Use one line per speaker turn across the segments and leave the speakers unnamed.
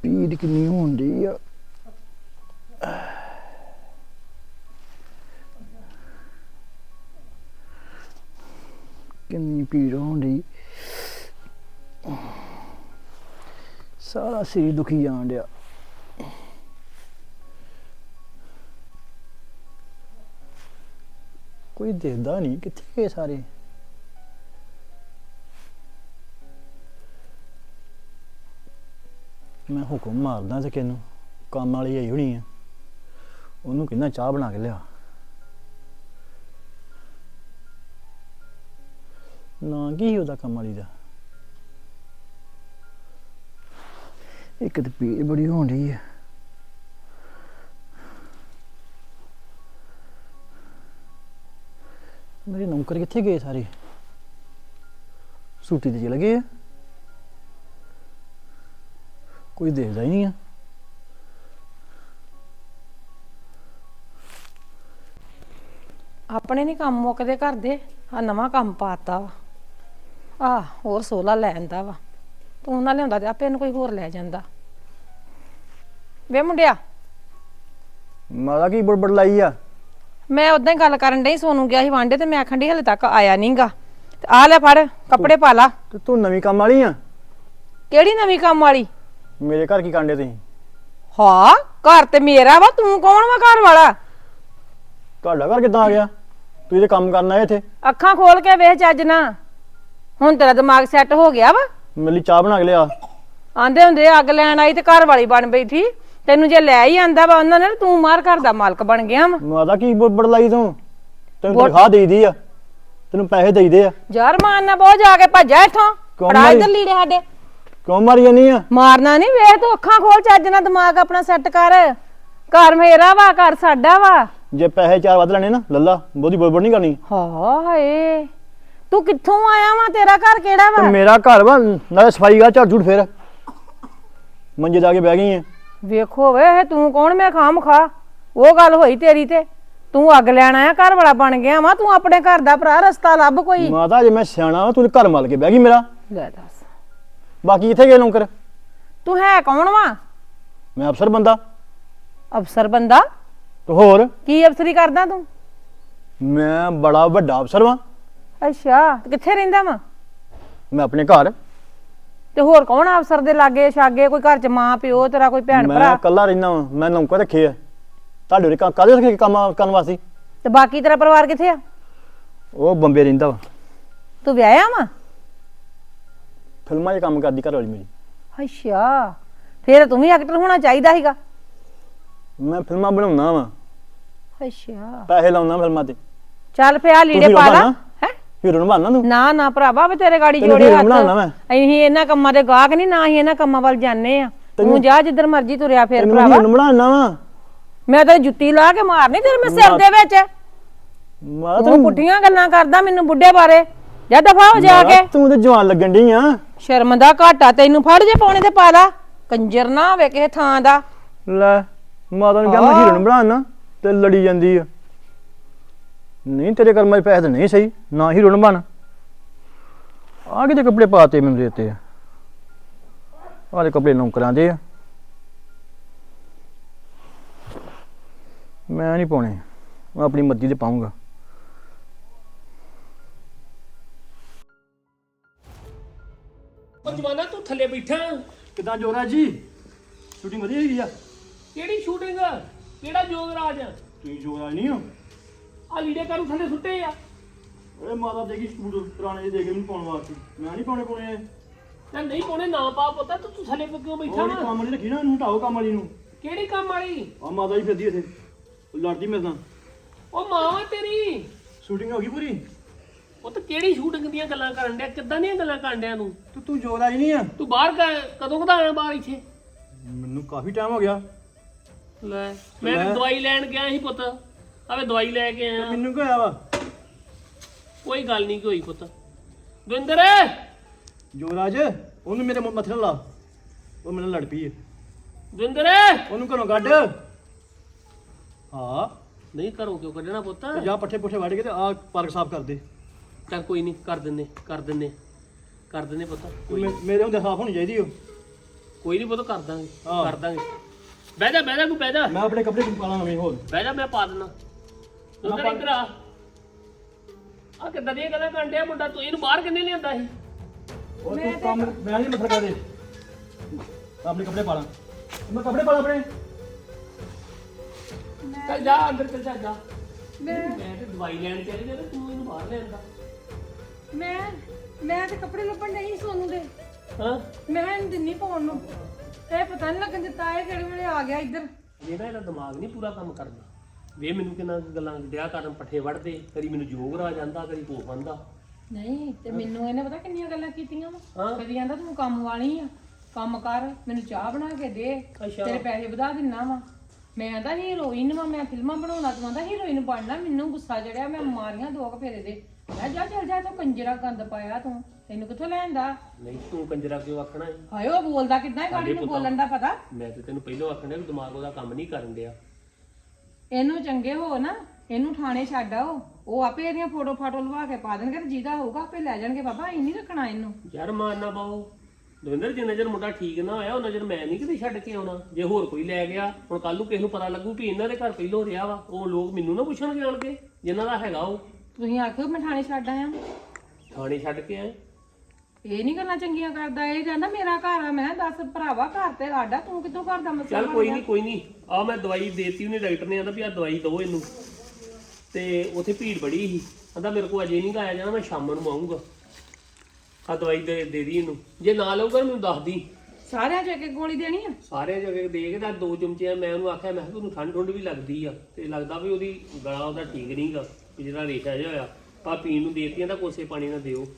ਪੀੜ ਕਿੰਨੀ ਹੋਣ ਡਈ ਆ। ਕਿੰਨੀ ਪੀੜ ਹੋਣ ਡਈ, ਸਾਰਾ ਸਰੀਰ ਦੁਖੀ ਜਾਣ ਡਿਆ। ਕੋਈ ਦਿਖਦਾ ਨਹੀਂ, ਕਿੱਥੇ ਗਏ ਸਾਰੇ? ਮੈਂ ਹੁਕਮ ਮਾਰਦਾ ਤੇ ਕਿਹਨੂੰ, ਕੰਮ ਵਾਲੀ ਆਈ ਹੋਣੀ ਆ, ਉਹਨੂੰ ਕਹਿੰਦਾ ਚਾਹ ਬਣਾ ਕੇ ਲਿਆ। ਨਾ ਕੀ ਉਹਦਾ ਕੰਮ ਵਾਲੀ ਦਾ? ਇੱਕ ਤੇ ਪੀੜ ਬੜੀ ਹੋਣ ਡਈ ਆ। ਮੇਰੇ ਨੌਕਰ ਕਿੱਥੇ ਗਏ ਸਾਰੇ? ਛੁੱਟੀ ਤੇ ਚਲੇ ਗਏ ਆ, ਕੋਈ ਦੇਖਦਾ ਹੀ ਨਹੀਂ ਆ।
ਆਪਣੇ ਨਹੀਂ ਕੰਮ ਮੁੱਕਦੇ ਘਰ ਦੇ, ਆ ਨਵਾਂ ਕੰਮ ਪਾਤਾ ਵਾ। ਆ ਹੋਰ ਸੋਲਾ ਲੈ ਆਂਦਾ ਵਾ, ਤੂੰ ਨਾ ਲਿਆਉਂਦਾ ਤੇ ਆਪੇ ਇਹਨੂੰ ਕੋਈ ਹੋਰ ਲੈ ਜਾਂਦਾ। ਵੇ ਮੁੰਡਿਆ,
ਮਾਦਾ ਕੀ ਬੜਬੜ ਲਾਈ ਆ?
ਮੈਂ ਉਦਾਂ ਹੀ ਗੱਲ ਕਰਨ ਡਈ, ਸੋਨੂੰ ਗਿਆ ਸੀ ਵਾਂਡੇ ਤੇ ਮੈਂ ਆਖਣ ਡਈ ਹਲੇ ਤੱਕ ਆਇਆ ਨਹੀਂਗਾ। ਤੇ ਆ ਲੈ ਫੜ ਕੱਪੜੇ ਪਾ ਲਾ।
ਤੇ ਤੂੰ ਨਵੀਂ ਕੰਮ ਵਾਲੀ ਆ?
ਕਿਹੜੀ ਨਵੀਂ ਕੰਮ ਵਾਲੀ?
ਮੇਰੇ ਘਰ ਕੀ ਕਾਂਡੇ ਤੁਸੀਂ?
ਹਾਂ ਘਰ ਤੇ ਮੇਰਾ ਵਾ, ਤੂੰ ਕੌਣ ਵਾ ਘਰ ਵਾਲਾ?
ਤੁਹਾਡਾ ਘਰ ਕਿੱਦਾਂ ਆ ਗਿਆ? ਤੁਸੀਂ ਤੇ ਕੰਮ ਕਰਨਾ ਹੈ ਇੱਥੇ।
ਅੱਖਾਂ ਖੋਲ ਕੇ ਵੇਖ ਚੱਜ ਨਾ, ਹੁਣ ਤੇਰਾ ਦਿਮਾਗ ਸੈੱਟ ਹੋ ਗਿਆ ਵਾ।
ਮੇਰੇ ਲਈ ਚਾਹ ਬਣਾ ਕੇ ਲਿਆ।
ਆਂਦੇ ਹੁੰਦੇ ਅੱਗ ਲੈਣ ਆਈ ਤੇ ਘਰ ਵਾਲੀ ਬਣ ਬੈਠੀ। ਤੈਨੂੰ ਜੇ ਲੈ ਹੀ ਆਂਦਾ ਵਾ ਉਹਨਾਂ ਨੇ, ਤੂੰ ਮਾਰ ਘਰ ਦਾ ਮਾਲਕ ਬਣ ਗਿਆ ਵਾ।
ਮਾਦਾ ਕੀ ਬੜਬੜ ਲਾਈ ਤੂੰ? ਤੈਨੂੰ ਤਨਖਾਹ ਦੇਈਦੀ ਆ, ਤੈਨੂੰ ਪੈਸੇ ਦੇਈਦੇ ਆ।
ਯਾਰ ਮਾਰਨਾ ਬਹੁਤ, ਜਾ ਕੇ ਭੱਜਾ ਇੱਥੋਂ। ਫੜਾ ਇੱਧਰ ਲੀੜੇ ਸਾਡੇ।
ਕਿਉਂ ਮਾਰੀ ਜਾਨੀ ਆ?
ਮਾਰਨਾ ਨਹੀਂ, ਵੇਖ ਤੂੰ ਅੱਖਾਂ ਖੋਲ ਚੱਜ ਨਾਲ, ਦਿਮਾਗ ਆਪਣਾ ਸੈੱਟ ਕਰ। ਘਰ ਮੇਰਾ ਵਾ, ਘਰ ਸਾਡਾ ਵਾ।
ਜੇ ਪੈਸੇ ਚਾਰ ਵੱਧ ਲੈਣੇ ਨਾ ਲੱਲਾ, ਬਹੁਤੀ ਬੜਬੜ ਨਹੀਂ ਕਰਨੀ।
ਹਾਏ ਤੂੰ ਕਿੱਥੋਂ ਆਇਆ ਵਾ? ਤੇਰਾ ਘਰ ਕਿਹੜਾ ਵਾ?
ਤੇ ਮੇਰਾ ਘਰ ਵਾ, ਨਾਲੇ ਸਫਾਈ ਗਾ, ਝਾੜ ਝੂੜ ਫੇਰ ਮੰਜੇ ਜਾ ਕੇ ਬਹਿ ਗਈ ਆ।
ਵੇਖੋ ਵੇ ਤੂੰ ਕੌਣ, ਮੈਂ ਖਾਮ ਖਾ ਉਹ ਗੱਲ ਹੋਈ ਤੇਰੀ ਤੇ ਤੂੰ ਅੱਗ ਲੈਣ ਆਇਆ, ਘਰ ਵਾਲਾ ਬਣ ਗਿਆ ਵਾ। ਤੂੰ ਆਪਣੇ ਘਰ ਦਾ ਭਰਾ ਰਸਤਾ ਲੱਭ ਕੋਈ।
ਮਾਤਾ ਜੇ ਮੈਂ ਸਿਆਣਾ ਵਾ, ਤੂੰ ਘਰ ਮਲ ਕੇ ਬਹਿ ਗਈ ਮੇਰਾ।
ਲੈ ਦੱਸ,
ਬਾਕੀ ਕਿੱਥੇ ਗਏ ਨੌਕਰ?
ਤੂੰ ਹੈ ਕੌਣ ਵਾ?
ਮੈਂ ਅਫਸਰ ਬੰਦਾ।
ਅਫਸਰ ਬੰਦਾ?
ਤੇ ਹੋਰ
ਕੀ ਅਫਸਰੀ ਕਰਦਾ ਤੂੰ?
ਮੈਂ ਬੜਾ ਵੱਡਾ ਅਫਸਰ ਵਾਂ।
ਅੱਛਾ, ਕਿੱਥੇ ਰਹਿੰਦਾ ਵਾ?
ਮੈਂ ਆਪਣੇ ਘਰ।
ਤੇ ਹੋਰ ਕੌਣ ਅਫਸਰ ਦੇ ਲਾਗੇ ਛਾਗੇ? ਕੋਈ ਘਰ ਚ ਮਾਂ ਪਿਓ ਤੇਰਾ, ਕੋਈ ਭੈਣ ਭਰਾ?
ਮੈਂ ਇਕੱਲਾ ਰਹਿੰਦਾ ਵਾਂ। ਮੈਂ ਨੌਕਰ ਰੱਖੇ ਆ। ਤੁਹਾਡੇ ਉਰੇ ਕਾਹਦੇ ਰੱਖੇ ਕੰਮ ਕਰਨ ਵਾਸਤੇ?
ਤੇ ਬਾਕੀ ਤੇਰਾ ਪਰਿਵਾਰ ਕਿੱਥੇ ਆ?
ਉਹ ਬੰਬੇ ਰਹਿੰਦਾ ਵਾ।
ਤੂੰ ਵਿਆਹਿਆ ਵਾ?
ਫਿਲਮਾਂ 'ਚ ਕੰਮ ਕਰਦੀ ਘਰ ਵਾਲੀ ਮੇਰੀ।
ਅੱਛਾ, ਫੇਰ ਤੂੰ ਵੀ ਐਕਟਰ ਹੋਣਾ ਚਾਹੀਦਾ ਸੀਗਾ।
ਮੈਂ ਫਿਲਮਾਂ ਬਣਾਉਣਾ ਵਾ,
ਅੱਛਾ
ਪੈਸੇ ਲਾਉਣਾ ਫਿਲਮਾਂ ਤੇ।
ਚੱਲ ਪਿਆ ਲੀੜੇ ਪਾ ਲਾ। ਹੈ
ਹੀਰੋ ਨੂੰ ਬਣਨਾ ਤੂੰ?
ਨਾ ਨਾ ਭਰਾਵਾ, ਵੇ ਤੇਰੇ ਗਾੜੀ ਜੋੜੇ ਹੱਥ। ਅਸੀਂ ਇਹਨਾਂ ਕੰਮਾਂ ਦੇ ਗਾਹਕ ਨਹੀਂ, ਨਾ ਹੀ ਇਹਨਾਂ ਕੰਮਾਂ ਵੱਲ ਜਾਂਦੇ ਆ। ਤੂੰ ਜਾ ਜਿੱਧਰ ਮਰਜੀ ਤੁਰਿਆ ਫੇਰ ਭਰਾਵਾ।
ਹੀਰੋ ਨੂੰ ਬਣਾਉਣਾ ਵਾ
ਮੈਂ ਤਾਂ ਜੁੱਤੀ ਲਾ ਕੇ ਮਾਰਨੀ ਤੇਰੇ ਮੈਂ ਸਿਰ ਦੇ ਵਿੱਚ।
ਮਾਂ
ਤੂੰ ਪੁੱਠੀਆਂ ਗੱਲਾਂ ਕਰਦਾ ਮੈਨੂੰ ਬੁੱਢੇ ਬਾਰੇ। ਜਾ ਦਫਾ ਹੋ ਜਾ ਕੇ।
ਤੂੰ ਤੇ ਜਵਾਨ ਲੱਗਣ ਡਈ ਆ।
ਸ਼ਰਮ ਦਾ ਘਾਟਾ ਤੈਨੂੰ, ਫੜ ਜੇ ਪਾਉਣੇ ਤੇ ਪਾ ਲਾ। ਕੰਜਰ ਨਾ ਹੋਵੇ ਕਿਸੇ ਥਾਂ ਦਾ।
ਲੈ ਮਾਤਾ ਨੂੰ ਕਿਹਾ ਮੈਂ ਹੀਰੋ ਨੂੰ ਬਣਾਉਣਾ ਤੇ ਲੜੀ ਜਾਂਦੀ ਆ। ਨਹੀਂ ਤੇਰੇ ਕਰਮਾਂ 'ਚ ਪੈਸੇ ਤਾਂ ਨਹੀਂ ਸਹੀ, ਨਾ ਹੀਰੋ ਨੂੰ ਬਣ। ਆ ਕਿਤੇ ਕੱਪੜੇ ਪਾਤੇ ਮੈਨੂੰ ਦੇਤੇ ਆ, ਆਹ ਕੱਪੜੇ ਨੌਕਰਾਂ ਦੇ ਆ। ਮੈਂ ਨਹੀਂ ਪਾਉਣੇ, ਮੈਂ ਆਪਣੀ ਮਰਜ਼ੀ ਦੇ ਪਾਊਂਗਾ।
ਜਵਾਨਾ ਤੂੰ ਥੱਲੇ ਬੈਠਾ
ਕਿੱਦਾਂ ਜੋਰਾ ਜੀ? ਸ਼ੂਟਿੰਗ ਵਧੀਆ ਹੋਈ ਆ?
ਕਿਹੜੀ ਸ਼ੂਟਿੰਗ? ਕਿਹੜਾ ਜੋਗਰਾਜ?
ਤੁਸੀਂ ਜੋਰਾ ਨਹੀਂ ਹੋ?
ਆ ਲੀੜੇ ਕਾਨੂੰ ਥੱਲੇ ਸੁੱਟੇ ਆ?
ਓਏ ਮਾਤਾ ਦੇਗੀ ਸੂਟ ਪੁਰਾਣੇ ਜਿਹੇ ਦੇ ਕੇ ਮੈਨੂੰ ਪਾਉਣ ਵਾਸਤੇ। ਮੈਂ ਨਹੀਂ ਪਾਉਣੇ
ਤੇ ਨਹੀਂ ਪਾਉਣੇ ਨਾ ਪਾ ਪੁੱਤ, ਤੂੰ ਥੱਲੇ ਕਿਉਂ ਬੈਠਾ
ਉਹ
ਵਾ?
ਕੰਮ ਵਾਲੀ ਰੱਖੀ ਨਾ, ਇਹਨੂੰ ਹਟਾਓ ਕੰਮ ਵਾਲੀ ਨੂੰ।
ਕਿਹੜੀ ਕੰਮ ਵਾਲੀ?
ਆ ਮਾਤਾ ਜੀ ਫਿਰਦੀ ਇੱਥੇ, ਲੜਦੀ ਮੇਰੇ ਨਾਲ।
ਉਹ ਮਾਂ ਵਾ ਤੇਰੀ।
ਸ਼ੂਟਿੰਗ ਹੋ ਗਈ ਪੂਰੀ?
ਉਹ ਤਾਂ ਕਿਹੜੀ ਸ਼ੂਟਿੰਗ ਦੀਆਂ ਗੱਲਾਂ ਕਰਨ ਡਿਆ? ਕਿੱਦਾਂ ਦੀਆਂ ਗੱਲਾਂ ਕਰਨ ਡਿਆ ਤੂੰ?
ਤੂੰ ਜੋਰਾ ਜੀ ਨਹੀਂ ਆ?
ਤੂੰ ਬਾਹਰ ਕਦੋਂ ਕਦਾ ਆਇਆ ਬਾਹਰ ਇੱਥੇ?
ਮੈਨੂੰ ਕਾਫੀ ਟਾਈਮ ਹੋ ਗਿਆ।
ਲੈ ਮੈਂ ਤਾਂ ਦਵਾਈ ਲੈਣ ਗਿਆ ਸੀ ਪੁੱਤ, ਆਵੇ ਦਵਾਈ ਲੈ ਕੇ ਆਇਆ।
ਮੈਨੂੰ ਕੀ ਹੋਇਆ ਵਾ?
ਕੋਈ ਗੱਲ ਨਹੀਂ ਕੋਈ ਪੁੱਤ। ਦਵਿੰਦਰ
ਜੋਰਾਜ, ਉਹਨੂੰ ਮੇਰੇ ਮੱਥੇ ਨਾਲ ਲਾ, ਉਹ ਮੇਰੇ ਨਾਲ ਲੜ ਪਈ ਹੈ।
ਦਵਿੰਦਰ
ਉਹਨੂੰ ਘਰੋਂ ਕੱਢ। ਹਾਂ
ਨਹੀਂ ਘਰੋਂ ਕਿਉਂ ਕੱਢਣਾ ਪੁੱਤ?
ਤੇ ਜਾ ਪੱਠੇ ਪੁੱਠੇ ਵੱਢ ਕੇ ਤੇ ਆ ਪਾਰਕ ਸਾਫ਼ ਕਰ ਦੇ।
ਚੱਲ ਕੋਈ ਨਹੀਂ, ਕਰ ਦਿੰਨੇ ਪੁੱਤ।
ਮੇਰੇ ਹੁੰਦੇ ਸਾਫ਼ ਹੋਣੀ ਚਾਹੀਦੀ ਉਹ।
ਕੋਈ ਨਹੀਂ ਪੁੱਤ ਕਰ ਦਾਂਗੇ ਬਹਿ ਜਾ ਕੋਈ ਬਹਿ ਜਾ
ਮੈਂ ਆਪਣੇ ਕੱਪੜੇ ਪਾ ਲਾਂ ਨਵੇਂ ਹੋਰ
ਬਹਿ ਜਾ ਮੈਂ ਪਾ ਦਿੰਦਾ ਤੂੰ ਤਾਂ ਇੱਧਰ ਆ ਕਿੱਦਾਂ ਦੀਆਂ ਗੱਲਾਂ ਕਰਨ ਡਿਆ ਮੁੰਡਾ ਤੂੰ ਇਹਨੂੰ ਬਾਹਰ ਕਿੰਨੇ ਲਿਆਂਦਾ ਸੀ
ਉਹ ਤੂੰ ਕੰਮ ਮੈਂ ਨਹੀਂ ਮਸਲਾ ਕਰਦੇ ਆਪਣੇ ਕੱਪੜੇ ਪਾ ਲਾਂ ਮੈਂ ਕੱਪੜੇ ਪਾ ਲਾਂ ਆਪਣੇ
ਚੱਲ ਜਾ ਅੰਦਰ ਚੱਲ ਜਾ ਮੈਂ ਤੇ ਦਵਾਈ ਲੈਣ ਚੱਲੀ ਤੇ ਤੂੰ ਇਹਨੂੰ ਬਾਹਰ ਲਿਆਂਦਾ
ਮੈਂ ਤੇ ਕੱਪੜੇ ਲੱਭਣ ਨਹੀਂ ਸੋਨੂੰ ਦੇ
ਹਾਂ
ਮੈਂ ਇਹਨੂੰ ਦਿੰਨੀ ਪਾਉਣ ਨੂੰ ਇਹ ਪਤਾ ਨਹੀਂ ਲੱਗਣ ਦਿੱਤਾ ਇਹ ਕਿਹੜੇ ਵੇਲੇ ਆ ਗਿਆ ਇੱਧਰ
ਇਹਦਾ ਦਿਮਾਗ ਨਹੀਂ ਪੂਰਾ ਕੰਮ ਕਰਦਾ ਵੇ ਮੈਨੂੰ ਕਿੰਨਾ ਗੱਲਾਂ ਡਿਆ ਕਰਨ ਪੱਠੇ ਵੜਦੇ ਕਦੀ ਮੈਨੂੰ ਜੋਗ ਰਾ ਜਾਂਦਾ ਕਦੀ ਭੋਗ ਬੰਦਾ
ਨਹੀਂ ਤੇ ਮੈਨੂੰ ਇਹਨੇ ਪਤਾ ਕਿੰਨੀਆਂ ਗੱਲਾਂ ਕੀਤੀਆਂ ਵਾ
ਹਾਂ।
ਕਦੀ ਕਹਿੰਦਾ ਤੂੰ ਕੰਮ ਵਾਲੀ ਆ ਕੰਮ ਕਰ ਮੈਨੂੰ ਚਾਹ ਬਣਾ ਕੇ ਦੇ
ਅੱਛਾ।
ਤੇਰੇ ਪੈਸੇ ਵਧਾ ਦਿੰਨਾ ਵਾ ਮੈਂ ਕਹਿੰਦਾ ਹੀਰੋਇਨ ਵਾ ਮੈਂ ਫਿਲਮਾਂ ਬਣਾਉਣਾ ਤੂੰ ਕਹਿੰਦਾ ਹੀਰੋਇਨ ਬਣਨਾ ਮੈਨੂੰ ਗੁੱਸਾ ਚੜਿਆ ਮੈਂ ਮਾਰੀਆਂ 2 ਫੇਰੇ ਦੇ ਮੈਂ ਜਾ ਚੱਲ ਜਾ ਤੂੰ ਕੰਜਰਾ ਗੰਦ ਪਾਇਆ ਤੂੰ ਤੈਨੂੰ ਕਿੱਥੋਂ ਲੈਂਦਾ
ਨਹੀਂ ਤੂੰ ਕੰਜਰਾ ਕਿਉਂ ਆਖਣਾ ਹੈ
ਹਾਏ ਉਹ ਬੋਲਦਾ ਕਿੱਦਾਂ ਹੈ ਗਾੜੀ ਨੂੰ ਬੋਲਣ ਦਾ ਪਤਾ
ਮੈਂ ਤੇ ਤੈਨੂੰ ਪਹਿਲਾਂ ਆਖਣਾ ਵੀ ਦਿਮਾਗ ਉਹਦਾ ਕੰਮ ਨਹੀਂ ਕਰਨ ਡਿਆ
ਇਹਨੂੰ ਚੰਗੇ ਹੋ ਨਾ ਇਹਨੂੰ ਥਾਣੇ ਛੱਡ ਆਓ ਉਹ ਆਪੇ ਇਹਦੀਆਂ ਫੋਟੋ ਫਾਟੋ ਲਵਾ ਕੇ ਪਾ ਦੇਣਗੇ ਤੇ ਜਿਹਦਾ ਹੋਊਗਾ ਆਪੇ ਲੈ ਜਾਣਗੇ ਬਾਬਾ ਅਸੀਂ ਨਹੀਂ ਰੱਖਣਾ ਇਹਨੂੰ
ਯਾਰ ਮਾਰਨਾ ਪਾਓ ਦਵਿੰਦਰ ਜਿੰਨਾ ਚਿਰ ਮੁੰਡਾ ਠੀਕ ਨਾ ਹੋਇਆ ਉਹਨਾਂ ਚਿਰ ਮੈਂ ਨਹੀਂ ਕਿਤੇ ਛੱਡ ਕੇ ਆਉਣਾ ਜੇ ਹੋਰ ਕੋਈ ਲੈ ਗਿਆ ਹੁਣ ਕੱਲ ਨੂੰ ਕਿਸੇ ਨੂੰ ਪਤਾ ਲੱਗੂ ਵੀ ਇਹਨਾਂ ਦੇ ਘਰ ਪਹਿਲੋਂ ਰਿਹਾ ਵਾ ਉਹ ਲੋਕ ਮੈਨੂੰ ਨਾ ਪੁੱਛਣਗੇ ਆਣ ਕੇ ਜਿਨ੍ਹਾਂ ਦਾ ਹੈਗਾ ਉਹ
ਤੁਸੀਂ ਆਖਿਓ ਮੈਂ ਥਾਣੇ ਛੱਡ ਆਇਆ
ਥਾਣੇ ਛੱਡ ਕੇ ਆਏ
ਇਹ ਨਹੀਂ ਗੱਲਾਂ ਚੰਗੀਆਂ ਕਰਦਾ ਇਹ ਕਹਿੰਦਾ ਮੇਰਾ ਘਰ ਆ ਮੈਂ ਦੱਸ ਭਰਾਵਾ ਘਰ ਤੇ ਸਾਡਾ ਤੂੰ ਕਿੱਥੋਂ ਘਰ ਦਾ ਮਸਲਾ
ਚੱਲ ਕੋਈ ਨਹੀਂ ਆ ਮੈਂ ਦਵਾਈ ਦੇਤੀ ਉਹਨੇ ਡਾਕਟਰ ਨੇ ਆਂਦਾ ਵੀ ਆ ਦਵਾਈ ਦਿਓ ਇਹਨੂੰ ਤੇ ਉੱਥੇ ਭੀੜ ਬੜੀ ਸੀ ਕਹਿੰਦਾ ਮੇਰੇ ਕੋਲ ਅਜੇ ਨਹੀਂ ਆਇਆ ਜਾਣਾ ਮੈਂ ਸ਼ਾਮ ਨੂੰ ਆਉਂਗਾ ਆ ਦਵਾਈ ਦੇ ਦੀ ਇਹਨੂੰ ਜੇ ਨਾ ਲਊਗਾ ਮੈਨੂੰ ਦੱਸ ਦੀ
ਸਾਰਿਆਂ ਚ ਇੱਕ ਇੱਕ ਗੋਲੀ ਦੇਣੀ ਆ
ਸਾਰੇ ਜਗ੍ਹਾ ਦੇ ਕੇ ਤਾਂ 2 ਚਮਚੇ ਮੈਂ ਉਹਨੂੰ ਆਖਿਆ ਮੈਂ ਕਿਹਾ ਤੁਹਾਨੂੰ ਠੰਡ ਠੁੰਡ ਵੀ ਲੱਗਦੀ ਆ ਤੇ ਲੱਗਦਾ ਵੀ ਉਹਦੀ ਗਲਾ ਉਹਦਾ ਠੀਕ ਨਹੀਂਗਾ ਜਿਹੜਾ ਰੇਸ਼ਾ ਜਿਹਾ ਹੋਇਆ ਆ ਪੀਣ ਨੂੰ ਦੇਤੀਆਂ ਤਾਂ ਕੋਸੇ ਪਾਣੀ ਨਾਲ ਦਿਓ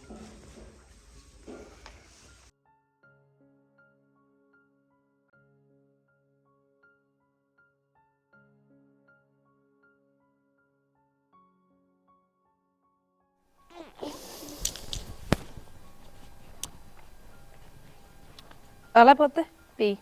ਆਲਾ ਪੁੱਤ ਪੀ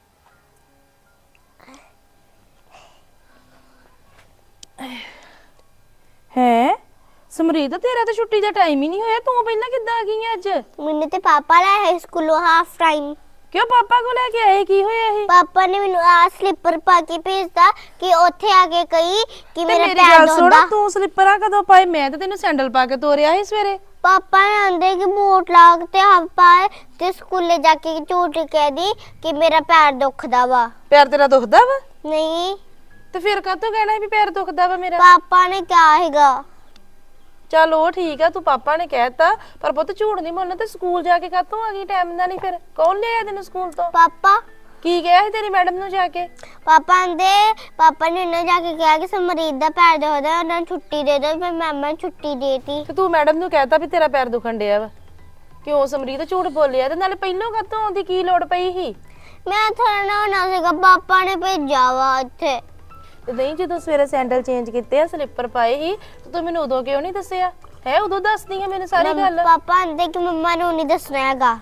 ਹੈ ਸਮਰੀਤ ਤੇਰਾ ਤਾਂ ਛੁੱਟੀ ਦਾ ਟਾਈਮ ਹੀ ਨਹੀਂ ਹੋਇਆ ਤੂੰ ਪਹਿਲਾਂ ਕਿੱਦਾਂ ਆ ਗਈ ਆਂ ਅੱਜ
ਮੈਨੂੰ ਤੇ ਪਾਪਾ ਲੈ ਆਏ ਸਕੂਲੋਂ ਹਾਫ ਟਾਈਮ
ਕਿਉਂ ਪਾਪਾ ਕੋਲ ਲੈ ਕੇ ਆਏ ਕੀ ਹੋਇਆ ਇਹ
ਪਾਪਾ ਨੇ ਮੈਨੂੰ ਆ ਸਲੀਪਰ ਪਾ ਕੇ ਭੇਜਦਾ ਕਿ ਉੱਥੇ ਆ ਕੇ ਕਹੀ ਕਿ
ਤੇ
ਮੇਰਾ
ਮੇਰੀ
ਪੈਰ
ਗੱਲ ਸੁਣ
ਦੁਖਦਾ
ਤੂੰ ਸਲਿੱਪਰਾਂ ਕਦੋਂ ਪਾਏ ਮੈਂ ਤਾਂ ਤੈਨੂੰ ਸੈਂਡਲ ਪਾ ਕੇ ਤੋਰਿਆ ਸੀ ਸਵੇਰੇ
ਪਾਪਾ ਨੇ ਆਂਦੇ ਕਿ ਬੂਟ ਲਾ ਤੇ ਹਾਫ ਪਾਏ ਤੇ ਸਕੂਲੇ ਜਾ ਕੇ ਝੂਠ ਕਹਿ ਦੀ ਕਿ ਮੇਰਾ ਪੈਰ ਦੁਖਦਾ ਵਾ
ਪੈਰ ਤੇਰਾ ਦੁਖਦਾ ਵਾ
ਨਹੀਂ
ਤੇ ਫਿਰ ਕਾਹਤੋਂ ਕਹਿਣਾ ਸੀ ਵੀ ਪੈਰ ਦੁਖਦਾ ਵਾ ਮੇਰਾ
ਪਾਪਾ ਨੇ ਕਿਹਾ ਹੈਗਾ
ਚੱਲ ਉਹ ਠੀਕ ਆ ਤੂੰ ਪਾਪਾ ਨੇ ਕਹਿਤਾ ਪਰ ਪੁੱਤ ਝੂਠ ਨਹੀਂ ਬੋਲਣਾ ਤੇ ਸਕੂਲ ਜਾ ਕੇ ਕਾਹਤੋਂ ਆ ਗਈ ਟਾਈਮ ਦਾ ਨਹੀਂ ਫਿਰ ਕੌਣ ਲਿਆਇਆ ਤੈਨੂੰ ਸਕੂਲ ਤੋਂ
ਪਾਪਾ
ਕੀ ਕਿਹਾ ਸੀ ਤੇਰੀ ਮੈਡਮ ਨੂੰ ਜਾ ਕੇ
ਪਾਪਾ ਨੇ ਉਹਨਾਂ ਜਾ ਕੇ ਕਿਹਾ ਕਿ ਸਮਰੀਤ ਦਾ ਪੈਰ ਦੁਖਦਾ ਉਹਨਾਂ ਨੂੰ ਛੁੱਟੀ ਦੇ ਦਿਓ ਫਿਰ ਮੈਮ ਨੇ ਛੁੱਟੀ ਦੇਤੀ
ਤੇ ਤੂੰ ਮੈਡਮ ਨੂੰ ਕਹਿਤਾ ਵੀ ਤੇਰਾ ਪੈਰ ਦੁਖਣ ਡਿਆ ਵਾ ਕਿਉਂ ਸਮਰੀਤ ਝੂਠ ਬੋਲਿਆ ਤੇ ਨਾਲੇ ਪਹਿਲੋਂ ਕਾਹਤੋਂ ਆਉਂਦੀ ਕੀ ਲੋੜ ਪਈ ਸੀ
ਮੈਂ ਥੋੜਾ ਨਾ ਹੋਣਾ ਸੀਗਾ ਪਾਪਾ ਨੇ ਭੇਜਿਆ ਵਾ ਇੱਥੇ
ਤੇ ਨਹੀਂ ਜਦੋਂ ਸਵੇਰੇ ਸੈਂਡਲ ਚੇਂਜ ਕੀਤੇ ਆ ਸਲਿੱਪਰ ਪਾਏ ਸੀ ਤੇ ਤੂੰ ਮੈਨੂੰ ਉਦੋਂ ਕਿਉਂ ਨਹੀਂ ਦੱਸਿਆ ਹੈ ਉਦੋਂ ਦੱਸਦੀ ਹੈ ਮੈਨੂੰ ਸਾਰੀ ਗੱਲ
ਪਾਪਾ ਆਂਦੇ ਕਿ ਮੰਮਾ ਨੂੰ ਨਹੀਂ ਦੱਸਣਾ ਹੈਗਾ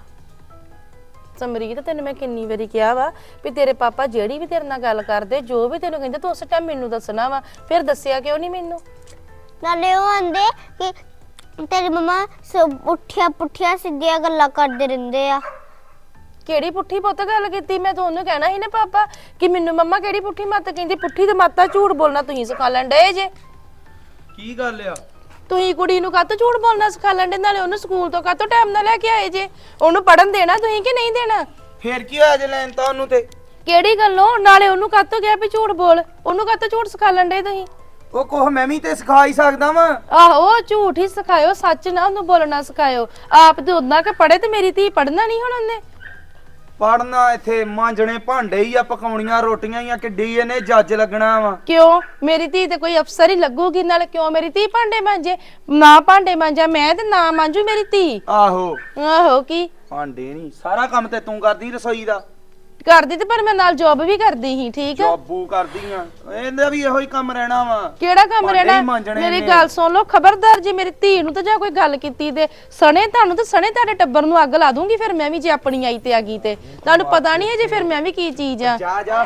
ਸਮਰੀਤ ਤੈਨੂੰ ਮੈਂ ਕਿੰਨੀ ਵਾਰੀ ਕਿਹਾ ਵਾ ਵੀ ਤੇਰੇ ਪਾਪਾ ਜਿਹੜੀ ਵੀ ਤੇਰੇ ਨਾਲ ਗੱਲ ਕਰਦੇ ਜੋ ਵੀ ਤੈਨੂੰ ਕਹਿੰਦੇ ਤੂੰ ਉਸ ਟਾਈਮ ਮੈਨੂੰ ਦੱਸਣਾ ਵਾ ਫਿਰ ਦੱਸਿਆ ਕਿਉਂ ਨਹੀਂ ਮੈਨੂੰ
ਨਾਲੇ ਉਹ ਆਂਦੇ ਕਿ ਤੇਰੀ ਮੰਮਾ ਸਭ ਉੱਠਿਆ ਪੁੱਠੀਆਂ ਸਿੱਧੀਆਂ ਗੱਲਾਂ ਕਰਦੇ ਰਹਿੰਦੇ ਆ
ਕਿਹੜੀ ਪੁੱਠੀ ਪੁੱਤ ਗੱਲ ਕੀਤੀ ਮੈਂ ਤੁਹਾਨੂੰ ਕਹਿਣਾ ਸੀ ਨਾ ਪਾਪਾ ਕਿ ਮੈਨੂੰ ਮੰਮਾ ਕਿਹੜੀ ਪੁੱਠੀ ਮੱਤ ਕਹਿੰਦੀ ਪੁੱਠੀ ਤੇ ਮੱਤਾ ਝੂਠ ਬੋਲਣਾ ਤੁਸੀਂ ਸਿਖਾ ਲੈਣ ਡਏ ਜੇ
ਕੀ ਗੱਲ ਆ
ਤੁਸੀਂ ਕੁੜੀ ਨੂੰ ਕਾਹਤੋਂ ਝੂਠ ਬੋਲਣਾ ਸਿਖਾ ਲੈਂਦੇ ਨਾਲੇ ਉਹਨੂੰ ਸਕੂਲ ਤੋਂ ਕਾਹਤੋਂ ਟਾਈਮ ਨਾਲ ਲੈ ਕੇ ਆਏ ਜੇ ਉਹਨੂੰ ਪੜਨ ਦੇਣਾ ਤੁਸੀਂ ਕਿ ਨਹੀਂ ਦੇਣਾ
ਫੇਰ ਕੀ ਹੋਇਆ ਜੇ ਲੈਣ ਤਾਂ ਉਹਨੂੰ ਤੇ
ਕਿਹੜੀ ਗੱਲੋਂ ਨਾਲੇ ਉਹਨੂੰ ਕਾਹਤੋਂ ਕਿਹਾ ਵੀ ਝੂਠ ਬੋਲ ਉਹਨੂੰ ਕਾਹਤੋਂ ਝੂਠ ਸਿਖਾ ਲੈਂਦੇ ਤੁਸੀਂ
ਉਹ ਕੋਹ ਮੈਂ ਵੀ ਤੇ ਸਿਖਾ ਹੀ ਸਕਦਾ ਵਾਂ
ਆਹੋ ਝੂਠ ਹੀ ਸਿਖਾਇਓ ਸੱਚ ਨਾ ਉਹਨੂੰ ਬੋਲਣਾ ਸਿਖਾਇਓ ਆਪ ਤੇ ਉਦਾਂ ਕਿ ਪੜੇ ਤੇ ਮੇਰੀ ਧੀ ਪੜਨਾ ਨਹੀਂ ਹੁਣ ਉਹਨੇ
ਪੜਨਾ ਇੱਥੇ ਮਾਂਜਣੇ ਭਾਂਡੇ ਹੀ ਆ ਪਕਾਉਣੀਆਂ ਰੋਟੀਆਂ ਹੀ ਆ ਕਿੱਡੀ ਇਹਨੇ ਜੱਜ ਲੱਗਣਾ ਵਾ
ਕਿਉਂ ਮੇਰੀ ਧੀ ਤੇ ਕੋਈ ਅਫਸਰ ਹੀ ਲੱਗੂਗੀ ਨਾਲੇ ਕਿਉਂ ਮੇਰੀ ਧੀ ਭਾਂਡੇ ਮਾਂਜੇ ਨਾ ਭਾਂਡੇ ਮਾਂਜਾ ਮੈਂ ਤੇ ਨਾ ਮਾਂਜੂ ਮੇਰੀ ਧੀ
ਆਹੋ
ਆਹੋ ਕੀ
ਭਾਂਡੇ ਨਹੀਂ ਸਾਰਾ ਕੰਮ ਤੇ ਤੂੰ ਕਰਦੀ ਰਸੋਈ ਦਾ
ਕਰਦੀ ਤੇ ਪਰ ਮੈਂ ਨਾਲ ਜੌਬ ਵੀ ਕਰਦੀ ਸੀ ਠੀਕ ਆ
ਜੋਬੂ ਕਰਦੀਆਂ ਇਹਦਾ ਵੀ ਇਹੋ ਹੀ ਕੰਮ ਰਹਿਣਾ ਵਾ
ਕਿਹੜਾ ਕੰਮ
ਭਾਂਡੇ ਹੀ
ਰਹਿਣਾ
ਮਾਂਜਣੇ
ਮੇਰੀ
ਨੇ।
ਗੱਲ ਸੁਣ ਲਓ ਖਬਰਦਾਰ ਜੇ ਮੇਰੀ ਧੀ ਨੂੰ ਤਾਂ ਜਾਂ ਕੋਈ ਗੱਲ ਕੀਤੀ ਤੇ ਸਣੇ ਤੁਹਾਨੂੰ ਤੇ ਸਣੇ ਤੁਹਾਡੇ ਟੱਬਰ ਨੂੰ ਅੱਗ ਲਾ ਦੂੰਗੀ ਫਿਰ ਮੈਂ ਵੀ ਜੇ ਆਪਣੀ ਆਈ ਤੇ ਆ ਗਈ ਤੇ ਤੁਹਾਨੂੰ ਪਤਾ ਨਹੀਂ ਹੈ ਜੇ ਫਿਰ ਮੈਂ ਵੀ ਕੀ ਚੀਜ਼ ਆ
ਜਾ ਜਾ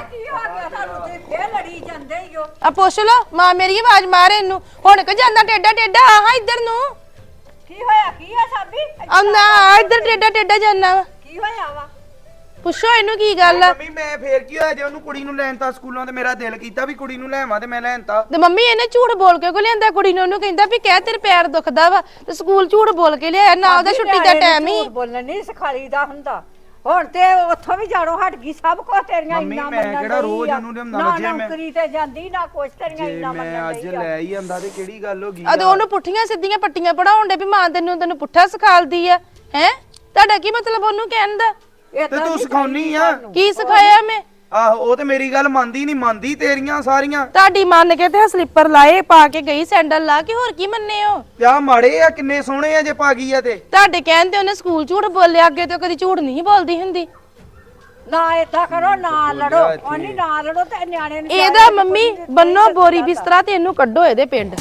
ਆ ਪੁੱਛ ਲਓ ਮਾਂ ਮੇਰੀ ਆਵਾਜ਼ ਮਾਰੇ ਇਹਨੂੰ ਹੁਣ ਕਿ ਜਾਂਦਾ ਟੇਡਾ ਟੇਡਾ ਆਹ ਇੱਧਰ ਨੂੰ
ਕੀ ਹੋਇਆ ਕੀ ਆ ਸਾਬੀ
ਆ ਨਾ ਇੱਧਰ ਟੇਡਾ ਟੇਡਾ ਜਾਂਦਾ ਵਾ
ਕੀ ਹੋਇਆ ਵਾ
ਪੁੱਛੋ ਇਹਨੂੰ ਕੀ ਗੱਲ ਆ।
ਮੰਮੀ ਮੈਂ ਫੇਰ ਕੀ ਹੋਇਆ ਜੇ ਉਹਨੂੰ ਕੁੜੀ ਨੂੰ ਲੈਣ ਤਾਂ ਸਕੂਲੋਂ ਤੇ ਮੇਰਾ ਦਿਲ ਕੀਤਾ ਵੀ ਕੁੜੀ ਨੂੰ ਲੈਵਾਂ ਤੇ ਮੈਂ ਲੈਣਤਾ।
ਤੇ ਮੰਮੀ ਇਹਨੇ ਝੂਠ ਬੋਲ ਕੇ ਕੋ ਲਿਆਂਦਾ ਕੁੜੀ ਨੂੰ, ਉਹਨੂੰ ਕਹਿੰਦਾ ਵੀ ਕਹਿ ਤੇਰੇ ਪੈਰ ਦੁਖਦਾ ਵਾ, ਤੇ ਸਕੂਲ ਝੂਠ ਬੋਲ ਕੇ ਲਿਆਇਆ ਨਾ, ਉਹਦਾ ਛੁੱਟੀ ਦਾ ਟਾਈਮ ਹੀ।
ਬੋਲਣ ਨਹੀਂ ਸਿਖਾਈਦਾ ਹੁੰਦਾ। ਹੁਣ ਤੇ ਉੱਥੋਂ ਵੀ ਜਾਣੋ ਹਟ ਗਈ, ਸਭ ਕੁਝ ਤੇਰੀਆਂ
ਮੰਮੀ,
ਇੰਨਾ
ਮੈਂ
ਮੰਨਣ
ਕਿਹੜਾ
ਡਈ
ਰੋਜ਼
ਆ।
ਉਹਨੂੰ ਲਿਆਉਂਦਾ
ਨਾ
ਵਾ, ਜੇ ਮੈਂ-
ਨੌਕਰੀ ਤੇ ਜਾਂਦੀ ਨਾ ਕੁਛ ਤੇਰੀਆਂ
ਜੇ
ਇੰਨਾ
ਮੈਂ
ਮੰਨਣ
ਅੱਜ
ਡਈ ਆ।
ਲੈ ਹੀ ਆਂਦਾ ਤੇ ਕਿਹੜੀ ਗੱਲ ਹੋ ਗਈ
ਅਦੇ ਉਹਨੂੰ ਪੁੱਠੀਆਂ ਸਿੱਧੀਆਂ ਪੱਟੀਆਂ ਪੜਾਉਣ ਦੇ ਵੀ ਮਾਂ ਤੈਨੂੰ ਪੁੱਠਾ ਸਿਖਾਲਦੀ ਆ ਹੈ। ਤੁਹਾਡਾ ਕੀ ਮਤਲਬ ਉਹਨੂੰ ਕਹਿਣ ਦਾ?
ਤੇ
ਏਦਾਂ
ਤੂੰ
ਨੀ
ਸਿਖਾਉਣੀ ਆ।
ਕੀ ਸਿਖਾਇਆ ਮੈਂ?
ਆਹੋ ਉਹ ਤੇ ਮੇਰੀ ਗੱਲ ਮੰਨਦੀ ਨਹੀਂ, ਮੰਨਦੀ ਤੇਰੀਆਂ ਸਾਰੀਆਂ।
ਤੁਹਾਡੀ ਮੰਨ ਕੇ ਤੇ ਸਲੀਪਰ ਲਾਏ ਪਾ ਕੇ ਗਈ, ਸੈਂਡਲ ਲਾ ਕੇ, ਹੋਰ ਕੀ ਮੰਨੇ ਹੋ?
ਪਿਆ ਮਾੜੇ ਆ, ਕਿੰਨੇ ਸੋਹਣੇ ਆ ਜੇ ਪਾ ਗਈ ਆ ਤੇ।
ਤੁਹਾਡੇ ਕਹਿਣ ਤੇ ਉਹਨੇ ਸਕੂਲ ਝੂਠ ਬੋਲਿਆ, ਅੱਗੇ ਤੋਂ ਕਦੀ ਝੂਠ ਨਹੀਂ ਬੋਲਦੀ ਹੁੰਦੀ।
ਨਾ ਏਦਾਂ ਕਰੋ, ਨਾ ਲੜੋ। ਉਹਨੀ ਨਾ ਲੜੋ ਤੇ ਨਿਆਣੇ ਨੂੰ
ਇਹਦਾ ਮੰਮੀ ਬੰਨੋ ਬੋਰੀ ਬਿਸਤਰਾ ਤੇ ਇਹਨੂੰ ਕੱਢੋ ਇਹਦੇ ਪਿੰਡ।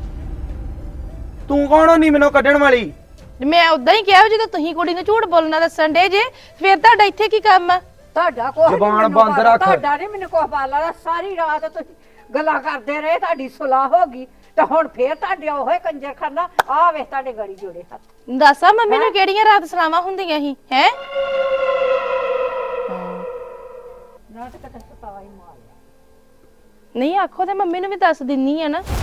ਤੂੰ ਕੌਣ ਹੁੰਨੀ ਮੈਨੂੰ ਕੱਢਣ ਵਾਲੀ?
ਮੈਂ ਉਦਾਂ ਹੀ ਕਿਹਾ ਜਦੋਂ ਤੁਸੀਂ ਕੁੜੀ ਨੂੰ ਝੂਠ ਬੋਲਣਾ ਦੱਸਣ ਡੇ ਜੇ, ਫਿਰ ਤੁਹਾਡਾ ਇੱਥੇ ਕੀ ਕੰਮ ਆ?
ਤੁਹਾਡਾ ਕੋਈ
ਜ਼ੁਬਾਨ ਬੰਦ ਰੱਖ।
ਤੁਹਾਡਾ ਨਹੀਂ ਮੈਨੂੰ ਕੁਛ ਬਾਲਾ। ਸਾਰੀ ਰਾਤ ਤੁਸੀਂ ਗੱਲਾਂ ਕਰਦੇ ਰਹੇ, ਤੁਹਾਡੀ ਸੁਲਾਹ ਹੋ ਗਈ ਤੇ ਹੁਣ ਫੇਰ ਤੁਹਾਡੇ ਉਹੇ ਕੰਜਰ ਖਾਨਾ ਆ ਵੇਖ ਤੁਹਾਡੇ ਗੜੀ ਜੋੜੇ ਹੱਥ।
ਦੱਸਾਂ ਮੰਮੀ ਨੂੰ ਕਿਹੜੀਆਂ ਰਾਤ ਸਲਾਵਾਂ ਹੁੰਦੀਆਂ ਸੀ ਹੈ?
ਨਾਟਕ ਤੇ ਸਤਾਵਾ ਹੀ ਮਾਰ।
ਨਹੀਂ ਆਖੋ ਤੇ ਮੰਮੀ ਨੂੰ ਵੀ ਦੱਸ ਦਿੰਨੀ ਆ ਨਾ।